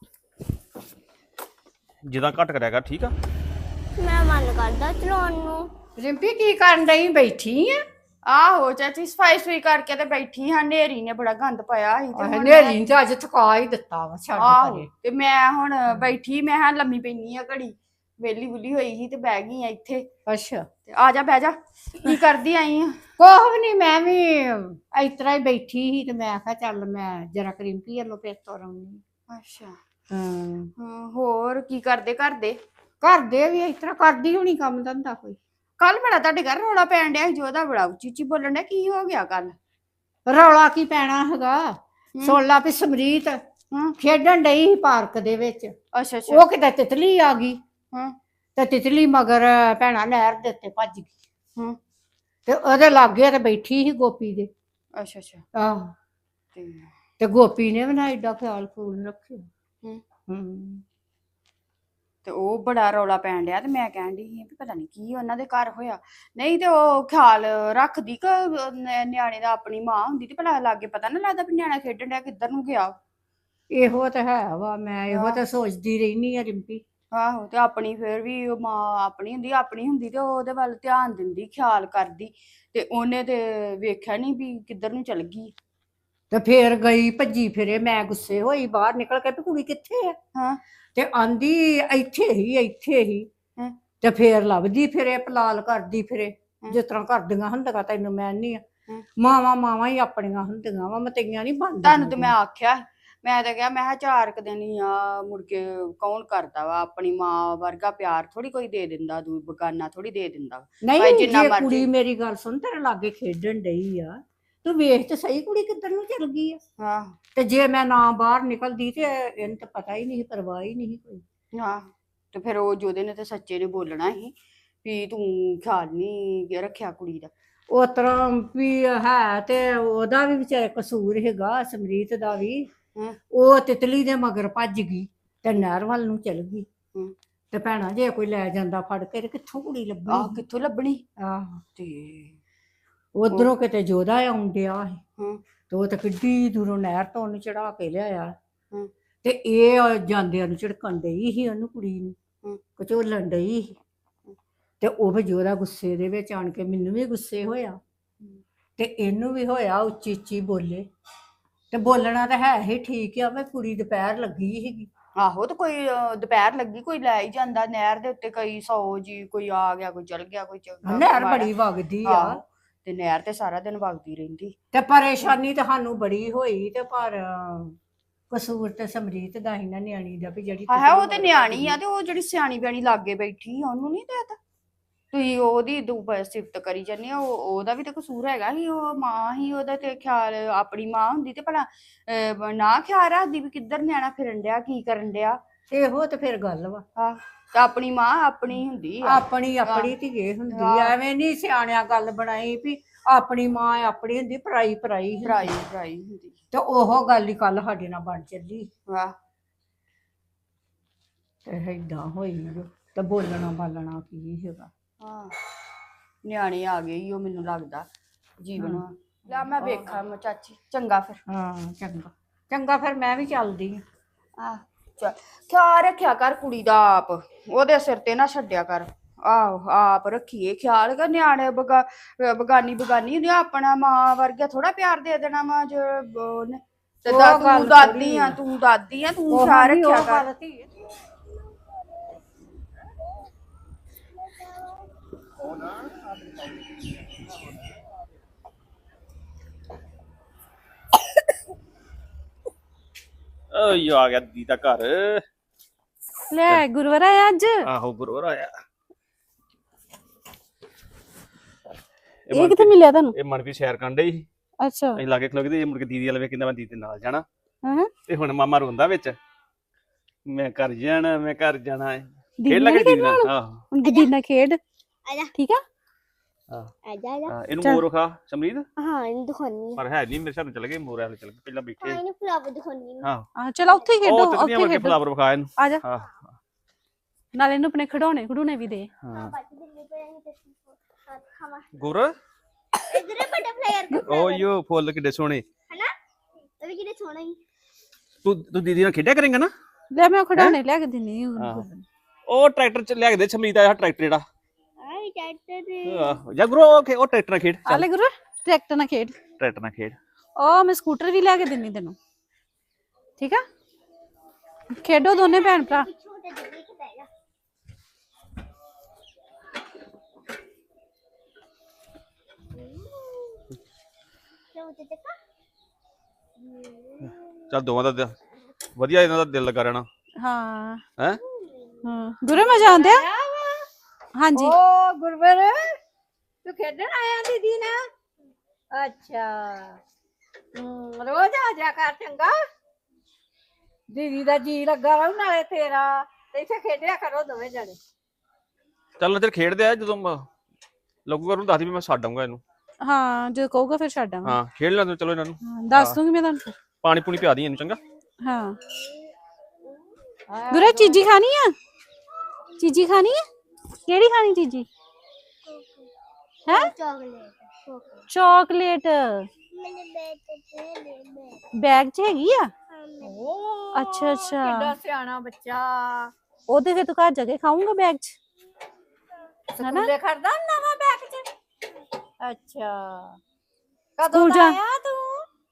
Speaker 3: ਜਿੱਦਾਂ ਘੱਟ ਕਰਿਆ ਕਰ ਠੀਕ ਆ।
Speaker 1: ਮੈਂ ਮਨ ਕਰਦਾ ਚਲਾਉਣ ਨੂੰ।
Speaker 4: ਰਿੰਪੀ ਕੀ ਕਰਨ ਡਈ? ਬੈਠੀ ਆ?
Speaker 5: ਆਹੋ ਚਾਚੀ ਸਫਾਈ ਸੁਈ ਕਰਕੇ ਤੇ ਬੈਠੀ ਹਾਂ। ਨੇਰੀ ਨੇ ਬੜਾ ਗੰਦ ਪਾਇਆ ਸੀ ਤੇ ਹੁਣ
Speaker 4: ਹਨੇਰੀ ਤੇ ਅੱਜ ਥਕਾ ਹੀ ਦਿੱਤਾ ਵਾ ਛੱਡ
Speaker 5: ਆਹੋ
Speaker 4: ਪਰੇ।
Speaker 5: ਤੇ ਮੈਂ ਹੁਣ ਬੈਠੀ, ਮੈਂ ਹਾਂ ਲੰਮੀ ਪੈਣੀ ਆ ਘੜੀ, ਵੇਲੀ ਬੁਲੀ ਹੋਈ ਸੀ ਤੇ ਬਹਿ ਗਈ ਆ ਇੱਥੇ।
Speaker 4: ਅੱਛਾ
Speaker 5: ਤੇ ਆ ਜਾ ਬਹਿ ਜਾ। ਕੀ ਕਰਦੀ ਆਈ ਆ?
Speaker 4: ਕੁਛ ਵੀ ਨਹੀਂ, ਮੈਂ ਵੀ ਇਸ ਤਰ੍ਹਾਂ ਹੀ ਬੈਠੀ ਸੀ ਤੇ ਮੈਂ ਕਿਹਾ ਚੱਲ ਮੈਂ ਜਰਾ ਰਿੰਪੀ ਵੱਲੋਂ ਫਿਰ ਤੁਰ ਆਉਂਦੀ।
Speaker 5: ਅੱਛਾ
Speaker 4: ਹਾਂ
Speaker 5: ਹਾਂ, ਹੋਰ ਕੀ ਕਰਦੇ ਘਰ ਦੇ?
Speaker 4: ਘਰ ਦੇ ਵੀ ਇਸ ਤਰ੍ਹਾਂ ਕਰਦੀ ਹੋਣੀ ਕੰਮ ਧੰਦਾ ਕੋਈ।
Speaker 5: ਕੱਲ ਬੜਾ ਤੁਹਾਡੇ ਘਰ ਰੌਲਾ ਪੈਣ ਡਿਆ ਸੀ, ਜੋਦਾ ਬੜਾ ਉੱਚੀ ਉੱਚੀ ਬੋਲਣ ਡਿਆ, ਕੀ ਹੋ ਗਿਆ ਕੱਲ?
Speaker 4: ਰੌਲਾ ਕੀ ਪੈਣਾ ਹੈਗਾ? ਸੁਣ ਲਾ ਵੀ ਸਮਰੀਤ
Speaker 5: ਹਾਂ
Speaker 4: ਖੇਡਣ ਡਈ ਸੀ ਪਾਰਕ ਦੇ ਵਿੱਚ।
Speaker 5: ਅੱਛਾ ਅੱਛਾ
Speaker 4: ਉਹ ਕਿਤੇ ਤਿਤਲੀ ਆ ਗਈ
Speaker 5: ਹਾਂ
Speaker 4: ਤੇ ਤਿਤਲੀ ਮਗਰ ਭੈਣਾ ਨਹਿਰ ਦੇ ਉੱਤੇ ਭੱਜ ਗਈ।
Speaker 5: ਹਾਂ
Speaker 4: ਤੇ ਉਹਦੇ ਲਾਗੇ ਤੇ ਬੈਠੀ ਸੀ ਗੋਪੀ ਦੇ।
Speaker 5: ਅੱਛਾ ਅੱਛਾ
Speaker 4: ਆਹ
Speaker 5: ਤੇ
Speaker 4: ਤੇ ਗੋਪੀ ਨੇ ਵੀ ਨਾ ਏਡਾ ਖਿਆਲ ਖੂਲ ਰੱਖਿਆ।
Speaker 5: ਹੂੰ
Speaker 4: ਹੂੰ
Speaker 5: ਤੇ ਉਹ ਬੜਾ ਰੌਲਾ ਪੈਣ ਡਿਆ ਤੇ ਮੈਂ ਕਹਿਣ ਡਈ ਸੀ ਵੀ ਪਤਾ ਨਹੀਂ ਕੀ ਉਹਨਾਂ ਦੇ ਘਰ ਹੋਇਆ। ਨਹੀਂ ਤੇ ਉਹ ਖਿਆਲ ਰੱਖਦੀ ਕਿ ਨ- ਨਿਆਣੇ ਦਾ ਆਪਣੀ ਮਾਂ ਹੁੰਦੀ ਤੇ ਭਲਾ ਲਾਗੇ ਪਤਾ ਨਾ ਲੱਗਦਾ ਵੀ ਨਿਆਣਾ ਖੇਡਣ ਡਿਆ ਕਿੱਧਰ ਨੂੰ ਗਿਆ।
Speaker 4: ਇਹੋ ਤਾਂ ਹੈ ਵਾ, ਮੈਂ ਇਹੋ ਤਾਂ ਸੋਚਦੀ ਰਹਿਨੀ ਆ ਰਿੰਪੀ।
Speaker 5: ਆਹੋ ਤੇ ਆਪਣੀ ਫਿਰ ਵੀ ਉਹ ਮਾਂ ਆਪਣੀ ਹੁੰਦੀ ਆਪਣੀ ਹੁੰਦੀ ਤੇ ਉਹਦੇ ਵੱਲ ਧਿਆਨ ਦਿੰਦੀ, ਖਿਆਲ ਕਰਦੀ, ਤੇ ਉਹਨੇ ਤੇ ਵੇਖਿਆ ਨਹੀਂ ਵੀ ਕਿੱਧਰ ਨੂੰ ਚਲ ਗਈ।
Speaker 4: ਤੇ ਫੇਰ ਗਈ ਭੱਜੀ ਫਿਰੇ, ਮੈਂ ਗੁੱਸੇ ਹੋਈ ਬਾਹਰ ਨਿਕਲ ਕੇ ਵੀ ਕੁੜੀ ਕਿੱਥੇ ਆ?
Speaker 5: ਹਾਂ
Speaker 4: ਤੇ ਆਂਦੀ ਇੱਥੇ ਹੀ ਇੱਥੇ ਹੀ।
Speaker 5: ਹਾਂ।
Speaker 4: ਤੇ ਫੇਰ ਲੱਭਦੀ ਫਿਰੇ, ਪਲਾਲ ਕਰਦੀ ਫਿਰੇ,
Speaker 5: ਹਾਂ।
Speaker 4: ਜਿਸ ਤਰ੍ਹਾਂ ਕਰਦੀਆਂ ਹੁੰਦੀਆਂ। ਤੈਨੂੰ ਮੈਂ ਨਹੀਂ ਆ,
Speaker 5: ਹਾਂ।
Speaker 4: ਮਾਵਾਂ ਮਾਵਾਂ ਹੀ ਆਪਣੀਆਂ ਹੁੰਦੀਆਂ ਵਾ, ਮਤਈਆਂ ਨਹੀਂ ਬਣਦੀਆਂ।
Speaker 5: ਤੁਹਾਨੂੰ ਤੇ ਮੈਂ ਆਖਿਆ, ਮੈਂ ਤਾਂ ਕਿਹਾ ਮੈਂ ਕਿਹਾ ਚਾਰ ਕੁ ਦਿਨ ਹੀ ਆ, ਮੁੜ ਕੇ ਕੌਣ ਕਰਦਾ ਵਾ ਆਪਣੀ ਮਾਂ ਵਰਗਾ ਪਿਆਰ ਥੋੜੀ ਕੋਈ ਦੇ ਦਿੰਦਾ, ਦੂ ਬਗਾਨਾ ਥੋੜੀ ਦੇ ਦਿੰਦਾ। ਭਾਈ
Speaker 4: ਨਹੀਂ
Speaker 5: ਜਿੰਨਾ
Speaker 4: ਜੇ
Speaker 5: ਮਰਜ਼ੀ-
Speaker 4: ਕੁੜੀ ਮੇਰੀ ਗੱਲ ਸੁਣ, ਤੇਰੇ ਲਾਗੇ ਖੇਡਣ ਡਈ ਆ, ਤੂੰ ਵੇਖ ਤੇ ਸਹੀ ਕੁੜੀ ਕਿੱਧਰ ਨੂੰ ਚਲ ਗਈ ਆ।
Speaker 5: ਹਾਂ
Speaker 4: ਤੇ ਜੇ ਮੈਂ ਨਾ ਬਾਹਰ ਨਿਕਲਦੀ ਤੇ ਇਹਨੂੰ ਤਾਂ ਪਤਾ ਹੀ ਨਹੀਂ, ਪਰਵਾਹ ਹੀ ਨਹੀਂ ਕੋਈ।
Speaker 5: ਹਾਂ ਤੇ ਫਿਰ ਉਹ ਜੋਦੇ ਨੇ ਤੇ ਸੱਚੇ ਨੇ ਬੋਲਣਾ ਸੀ ਵੀ ਤੂੰ ਖਿਆਲ ਨਹੀਂ ਰੱਖਿਆ ਕੁੜੀ ਦਾ।
Speaker 4: ਉਸ ਤਰ੍ਹਾਂ ਵੀ ਹੈ ਤੇ ਉਹਦਾ ਵੀ ਵਿਚਾਰੇ ਕਸੂਰ ਹੈਗਾ, ਸਮਰੀਤ ਦਾ ਵੀ।
Speaker 5: ਹਮ।
Speaker 4: ਉਹ ਤਿਤਲੀ ਦੇ ਮਗਰ ਭੱਜ ਗਈ ਤੇ ਨਹਿਰ ਵੱਲ ਨੂੰ ਚਲ ਗਈ।
Speaker 5: ਹਮ।
Speaker 4: ਤੇ ਭੈਣਾ ਜੇ ਕੋਈ ਲੈ ਜਾਂਦਾ ਫੜ ਕੇ ਤੇ ਕਿੱਥੋਂ ਕੁੜੀ
Speaker 5: ਆਹ
Speaker 4: ਲੱਭਣੀ?
Speaker 5: ਕਿੱਥੋਂ ਲੱਭਣੀ?
Speaker 4: ਆਹ
Speaker 5: ਤੇ
Speaker 4: ਉਧਰੋਂ ਕਿਤੇ ਜੋਦਾ ਆਉਣ ਡਿਆ ਸੀ
Speaker 5: ਹਮ।
Speaker 4: ਤੇ ਉਹ ਤਾਂ ਕਿੱਡੀ ਦੂਰੋਂ ਨਹਿਰ ਤੋਂ ਉਹਨੂੰ ਚੜਾ ਕੇ ਲਿਆਇਆ।
Speaker 5: ਹਮ।
Speaker 4: ਤੇ ਇਹ ਜਾਂਦਿਆਂ ਨੂੰ ਝਿੜਕਣ ਡਈ ਸੀ ਉਹਨੂੰ, ਕੁੜੀ ਨੂੰ
Speaker 5: ਹਮ।
Speaker 4: ਕਚੋਲਣ ਡਈ ਸੀ। ਤੇ ਉਹ ਫਿਰ ਜੋਦਾ ਗੁੱਸੇ ਦੇ ਵਿੱਚ ਆਣ ਕੇ ਮੈਨੂੰ ਵੀ ਗੁੱਸੇ ਹੋਇਆ ਤੇ ਇਹਨੂੰ ਵੀ ਹੋਇਆ ਉੱਚੀ ਉੱਚੀ ਬੋਲੇ ਤੇ ਬੋਲਣਾ ਤਾਂ ਹੈ ਹੀ ਠੀਕ ਆ, ਮੈਂ ਕੁੜੀ ਦੁਪਹਿਰ ਲੱਗੀ ਸੀਗੀ।
Speaker 5: ਆਹੋ ਤੇ ਕੋਈ ਅਹ, ਦੁਪਹਿਰ ਲੱਗੀ ਕੋਈ ਲੈ ਹੀ ਜਾਂਦਾ ਨਹਿਰ ਦੇ ਉੱਤੇ, ਕਈ ਸੌ ਜੀ, ਕੋਈ ਆ ਗਿਆ ਕੋਈ ਚਲ ਗਿਆ ਕੋਈ ਚੰਗਾ
Speaker 4: ਨਹਿਰ
Speaker 5: ਮਾੜਾ।
Speaker 4: ਬੜੀ ਵਗਦੀ ਆ
Speaker 5: ਆਹੋ, ਤੇ ਨਹਿਰ ਤੇ ਸਾਰਾ ਦਿਨ ਵਗਦੀ ਰਹਿੰਦੀ।
Speaker 4: ਤੇ ਪਰੇਸ਼ਾਨੀ ਤਾਂ ਸਾਨੂੰ ਬੜੀ ਹੋਈ ਤੇ ਪਰ ਅਹ, ਕਸੂਰ ਤੇ ਸਮਰੀਤ ਦਾ ਹੀ ਨਾ ਨਿਆਣੀ ਦਾ ਵੀ ਜਿਹੜੀ
Speaker 5: ਹਾਂ ਉਹ ਤੇ ਨਿਆਣੀ ਆ, ਤੇ ਉਹ ਜਿਹੜੀ ਸਿਆਣੀ ਬਿਆਣੀ ਲਾਗੇ ਬੈਠੀ ਆ ਉਹਨੂੰ ਨਹੀਂ ਦੇਤਾ ਤੁਸੀਂ ਉਹਦੀ ਦੂਬ ਸਿਫਤ ਕਰੀ ਜਾਂਦੇ ਹੋ। ਉਹਦਾ ਵੀ ਤਾਂ ਕਸੂਰ ਹੈਗਾ ਸੀ, ਉਹ ਮਾਂ ਹੀ, ਉਹਦਾ ਤੇ ਖਿਆਲ ਆਪਣੀ ਮਾਂ ਹੁੰਦੀ ਤੇ ਭਲਾ ਅਹ, ਨਾ ਖਿਆਲ ਰੱਖਦੀ ਵੀ ਕਿੱਧਰ ਨਿਆਣਾ ਫਿਰਨ ਡਿਆ ਕੀ ਕਰਨ ਡਿਆ।
Speaker 4: ਇਹੋ ਤੇ ਫਿਰ ਗੱਲ ਵਾ,
Speaker 5: ਹਾਂ ਤੇ ਆਪਣੀ ਮਾਂ ਆਪਣੀ ਹੁੰਦੀ ਆ।
Speaker 4: ਆਪਣੀ ਆਪਣੀ ਧੀਏ ਹੁੰਦੀ ਆ, ਐਵੇਂ ਨਹੀਂ ਸਿਆਣਿਆਂ ਗੱਲ ਬਣਾਈ ਵੀ ਆਪਣੀ ਮਾਂ ਆਪਣੀ ਹੁੰਦੀ, ਪਰਾਈ ਪਰਾਈ ਹੁੰਦੀ।
Speaker 5: ਭਰਾਈ ਭਰਾਈ ਹੁੰਦੀ।
Speaker 4: ਤੇ ਉਹ ਗੱਲ ਹੀ ਕੱਲ ਸਾਡੇ ਨਾਲ ਬਣ ਚੱਲੀ
Speaker 5: ਵਾਹ
Speaker 4: ਤੇ ਏਦਾਂ ਹੋਈ ਜੋ, ਤੇ ਬੋਲਣਾ ਬਾਲਣਾ ਕੀ ਹੈਗਾ।
Speaker 5: ਹਾਂ ਨਿਆਣੇ ਆ ਗਏ ਈ ਉਹ ਮੈਨੂੰ ਲੱਗਦਾ ਜੀਵਨ। ਲੈ ਮੈਂ ਵੇਖਾਂ ਮੈਂ ਚਾਚੀ, ਚੰਗਾ ਫਿਰ।
Speaker 4: ਹਾਂ ਚੰਗਾ ਚੰਗਾ, ਫਿਰ ਮੈਂ ਵੀ ਚੱਲਦੀ ਆ।
Speaker 5: ਆ ਚੱਲ ਖਿਆਲ ਰੱਖਿਆ ਕਰ ਕੁੜੀ ਦਾ ਆਪ, ਉਹਦੇ ਸਿਰ ਤੇ ਨਾ ਛੱਡਿਆ ਕਰ। ਆਹੋ ਆਪ ਰੱਖੀਏ ਖਿਆਲ ਕਰ, ਨਿਆਣੇ ਬਗਾ ਬਗਾਨੀ ਬਗਾਨੀ ਹੁੰਦੀ ਆ, ਆਪਣਾ ਮਾਂ ਵਰਗਾ ਥੋੜਾ ਪਿਆਰ ਦੇ ਦੇਣਾ ਮਾਂ ਜੋ ਉਹਨੇ। ਤੇ
Speaker 4: ਉਹ
Speaker 5: ਦਾ
Speaker 4: ਗੱਲ
Speaker 5: ਤੂੰ ਦਾਦੀ
Speaker 4: ਥੋੜ੍ਹੀ
Speaker 5: ਆ,
Speaker 4: ਆ।
Speaker 5: ਤੂੰ ਦਾਦੀ ਆ, ਤੂੰ
Speaker 4: ਉਹ
Speaker 5: ਖਿਆਲ
Speaker 4: ਵੀ ਉਹ
Speaker 5: ਰੱਖਿਆ ਕਰ।
Speaker 4: ਗੱਲ ਧੀਏ।
Speaker 3: ਓਏ ਆ ਗਿਆ ਦੀਦੀ ਦਾ ਘਰ।
Speaker 2: ਲੈ ਗੁਰੂਵਾਰ ਆਇਆ ਅੱਜ।
Speaker 3: ਆਹੋ ਗੁਰੂਵਾਰ ਆਇਆ।
Speaker 2: ਇਹ ਕਿੱਥੇ ਮਿਲਿਆ ਤੁਹਾਨੂੰ?
Speaker 3: ਇਹ ਮਨਪ੍ਰੀਤ ਸ਼ਹਿਰ ਕੰਡੇ ਸੀ,
Speaker 2: ਅੱਛਾ।
Speaker 3: ਅਸੀਂ ਲਾਗੇ ਖਲੋਗੇ ਤੇ ਇਹ ਮੁੜ ਕੇ ਦੀਦੀ ਵਾਲੇ ਵੇ ਕਹਿੰਦਾ ਮੈਂ ਦੀਦੀ ਦੇ ਨਾਲ ਜਾਣਾ।
Speaker 2: ਹਾਂ
Speaker 3: ਤੇ ਹੁਣ ਮਾਮਾ ਰੋਂਦਾ ਵਿੱਚ, ਮੈਂ ਘਰ ਜਾਣਾ ਮੈਂ ਘਰ ਜਾਣਾ।
Speaker 2: ਦੀਦੀ
Speaker 3: ਖੇਡ
Speaker 2: ਨਾਲ
Speaker 3: ਲੱਗੇ ਦੀਦੀ
Speaker 2: ਖੇਡਣਾ
Speaker 3: ਨਾਲ।
Speaker 2: ਹੁਣ?
Speaker 3: ਆਹੋ
Speaker 2: ਹੁਣ ਦੀਦੀ ਨਾਲ ਖੇਡ,
Speaker 1: ਆਜਾ
Speaker 2: ਠੀਕ ਆ।
Speaker 3: ਆਹ,
Speaker 1: ਆਜਾ ਆਜਾ।
Speaker 3: ਆਹ, ਇਹਨੂੰ
Speaker 2: ਚੱਲ।
Speaker 3: ਮੋਰ ਖਾ ਸਮਰੀਤ,
Speaker 1: ਹਾਂ ਇਹਨੂੰ ਦਿਖਾਉਣੀ
Speaker 3: ਪਰ ਹੈ ਨਹੀਂ ਮੇਰੇ ਸਾਹਮਣੇ ਚਲੇ ਗਏ ਮੋਰ ਵਾਲੇ ਚਲੇ ਗਏ ਪਹਿਲਾਂ
Speaker 1: ਹਾਂ
Speaker 3: ਬੈਠੇ।
Speaker 1: ਇਹਨੂੰ ਫਲਾਵਰ ਦਿਖਾਉਣੀ
Speaker 3: ਹਾਂ
Speaker 2: ਆ ਚਲੋ ਉੱਥੇ ਹੀ ਖੇਡੋ,
Speaker 3: ਉਹ
Speaker 2: ਉੱਥੇ
Speaker 3: ਤਿੱਤਲੀਆਂ ਵਰਗੇ
Speaker 2: ਖੇਡੋ।
Speaker 3: ਫਲਾਵਰ ਵਿਖਾ ਇਹਨੂੰ।
Speaker 2: ਆ ਜਾ,
Speaker 3: ਹਾਂ
Speaker 2: ਨਾਲੇ ਇਹਨੂੰ ਆਪਣੇ ਖਿਡੌਣੇ ਖਿਡੌਣੇ ਵੀ ਦੇ।
Speaker 3: ਹਾਂ
Speaker 1: ਬਾਕੀ ਦਿੱਲੀ ਪਏ ਨਹੀਂ ਤੇ ਖਾਵਾ
Speaker 3: ਗੁਰ
Speaker 1: ਇਧਰੇ ਬਟਰਫਲਾਈ ਯਾਰ
Speaker 3: ਓਯੋ ਫੁੱਲ ਕਿੱਡੇ ਸੋਹਣੇ।
Speaker 1: ਹਨਾ ਇਹ ਵੀ ਕਿਹੜੇ ਸੋਹਣਾ ਹੀ।
Speaker 3: ਤੂੰ ਤੂੰ ਦੀਦੀ ਨਾਲ ਖੇਡਿਆ ਕਰੇਂਗਾ ਨਾ।
Speaker 2: ਲੈ ਮੈਂ ਉਹ ਖਿਡੌਣੇ ਲਿਆ ਕੇ ਦਿੰਨੀ ਆ।
Speaker 3: ਹਾਂ। ਉਹ ਟਰੈਕਟਰ ਚ ਲਿਆ ਕੇ ਦੇ ਸਮਰੀਤ ਆ ਟਰੈਕਟਰ ਜਿਹੜਾ।
Speaker 1: ਆਈ ਟੈਟਰ ਦੇ
Speaker 3: ਆਹੋ ਜਾਂ ਗੁਰੂ ਉਹ ਖੇ- ਉਹ ਟਰੈਕਟਰ ਨਾਲ ਖੇਡ।
Speaker 2: ਆ ਲੈ ਗੁਰੂ ਟਰੈਕਟਰ ਨਾਲ ਖੇਡ।
Speaker 3: ਟਰੈਕਟਰ ਨਾਲ ਖੇਡ।
Speaker 2: ਉਹ ਮੈਂ ਸਕੂਟਰ ਵੀ ਲਿਆ ਕੇ ਦਿੰਨੀ ਤੈਨੂੰ, ਠੀਕ ਆ। ਖੇਡੋ ਦੋਨੇ ਭੈਣ ਭਰਾ।
Speaker 1: ਛੋਟੇ ਦਿੱਲੀ ਕਿ ਬੈਠਾ ਛੋਟੇ ਤੇ ਕਾ
Speaker 3: ਚੱਲ ਦੋਵਾਂ ਦਾ ਦਿਲ- ਵਧੀਆ ਇਹਨਾਂ ਦਾ ਦਿਲ ਲੱਗਾ ਰਹਿਣਾ
Speaker 2: ਹਾਂ
Speaker 3: ਹੈ।
Speaker 2: ਹਾਂ ਗੁਰੂ ਮਜ਼ਾ ਆਉਂਦਾ। ਹਾਂਜੀ
Speaker 4: ਓ ਗੁਰਵਰ, ਤੂੰ ਖੇਡਣ ਆਇਆ ਦੀਦੀ ਨਾਲ? ਅੱਛਾ। ਹਮ, ਰੋਜ਼ ਆ ਜਾ ਕਰ ਚੰਗਾ। ਦੀਦੀ ਦਾ ਜੀ ਲੱਗਾ ਰਹੂ ਨਾਲੇ ਤੇਰਾ, ਤੇ ਇੱਥੇ ਖੇਡਿਆ ਕਰੋ ਦੋਵੇਂ ਜਣੇ।
Speaker 3: ਚੱਲ ਨਾ ਚਿਰ ਖੇਡਦੇ ਆ, ਜਦੋਂ ਮ- ਲੱਗੂਗਾ ਉਹਨੂੰ ਦੱਸ ਦੀ ਵੀ ਮੈਂ ਛੱਡ ਆਊਂਗਾ ਇਹਨੂੰ।
Speaker 2: ਹਾਂ ਜਦੋਂ ਕਹੂਗਾ ਫਿਰ ਛੱਡ ਆਵਾਂ।
Speaker 3: ਹਾਂ ਖੇਡ ਲੈਂਦੇ ਚਲੋ ਇਹਨਾਂ ਨੂੰ।
Speaker 2: ਹਾਂ, ਦੱਸ ਦੂੰਗੀ ਮੈਂ ਤੁਹਾਨੂੰ ਫਿਰ।
Speaker 3: ਪਾਣੀ ਪੂਣੀ ਪਿਆ ਦੀ ਇਹਨੂੰ ਚੰਗਾ।
Speaker 2: ਹਾਂ ਗੁਰੂ ਚੀਜੀ ਖਾਣੀ ਆ? ਚੀਜੀ ਖਾਣੀ ਆ? ਕਿਹੜੀ ਖਾਣੀ ਚੀਜੀ ਹੈ?
Speaker 1: ਚਾਕਲੇਟ
Speaker 2: ਚਾਕਲੇਟ
Speaker 1: ਮੈਨੇ ਬੈਠ ਤੇ ਲੈ
Speaker 2: ਬੈਗ 'ਚ ਹੈਗੀ ਆ?
Speaker 4: ਓ
Speaker 2: ਅੱਛਾ ਅੱਛਾ,
Speaker 4: ਕਿੱਡਾ ਸਿਆਣਾ ਬੱਚਾ।
Speaker 2: ਉਹ ਤੇ ਫਿਰ ਤੂੰ ਘਰ ਜਾ ਕੇ ਖਾਊਂਗਾ ਬੈਗ 'ਚ।
Speaker 4: ਸਕੂਲੇ ਖੜਦਾ ਨਵਾਂ ਬੈਗ ਚ? ਅੱਛਾ। ਕਦੋਂ
Speaker 2: ਸਕੂਲ
Speaker 4: ਦਾ
Speaker 2: ਜਾ-
Speaker 4: ਆਇਆ ਤੂੰ?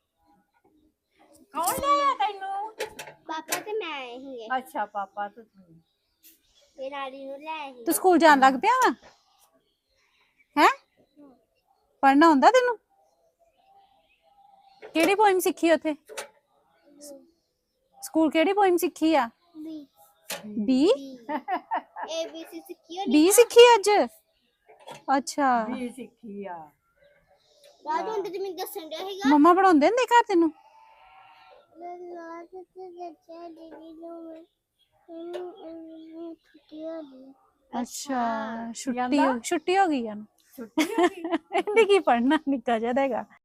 Speaker 4: ਕੌਣ ਲਿਆਇਆ ਤੈਨੂੰ?
Speaker 1: ਪਾਪਾ ਤੇ ਮੈਂ ਆਏ ਸੀਗੇ
Speaker 4: ਅੱਛਾ ਪਾਪਾ ਤੂੰ।
Speaker 1: ਇਹ ਨਾਲੀ ਨੂੰ ਲੈ ਆਏ ਸੀ
Speaker 2: ਤੂੰ ਸਕੂਲ ਜਾਣ ਲੱਗ ਪਿਆ ਵਾ ਹੈ? ਪੜ੍ਹਨਾ ਹੁੰਦਾ ਤੈਨੂੰ? ਕਿਹੜੀ ਪੋਇਮ ਸਿੱਖੀ ਉੱਥੇ ਸਕੂਲ? ਕਿਹੜੀ ਪੋਇਮ ਸਿੱਖੀ ਆ?
Speaker 1: B
Speaker 2: B
Speaker 1: A B C ਸਿੱਖੀ ਹੋਣੀ
Speaker 2: ਬੀ ਸਿੱਖੀ ਅੱਜ? ਅੱਛਾ
Speaker 4: ਵੀ ਸਿੱਖੀ ਆ।
Speaker 1: ਬਾਅਦ ਹੁਣ ਤੇ ਮੈਨੂੰ ਦੱਸਣ ਡਿਆ ਸੀਗਾ
Speaker 2: ਮੰਮਾ ਪੜਾਉਂਦੇ ਹੁੰਦੇ ਘਰ ਤੈਨੂੰ?
Speaker 1: ਲਾਲਾ ਤੇ ਦੱਸਿਆ ਦੀਦੀ ਨੂੰ ਮੈਂ ਇਹਨੂੰ ਛੁੱਟੀ ਹੋ ਗਈ
Speaker 2: ਅੱਛਾ ਛੁੱਟੀ ਹੋ- ਛੁੱਟੀ ਹੋ ਗਈ ਆ
Speaker 4: ਛੁੱਟੀ ਹੋ ਗਈ।
Speaker 2: ਇਹਨੇ ਕੀ ਪੜ੍ਹਨਾ, ਨਿੱਕਾ ਜਿਹਾ ਤਾਂ ਹੈਗਾ।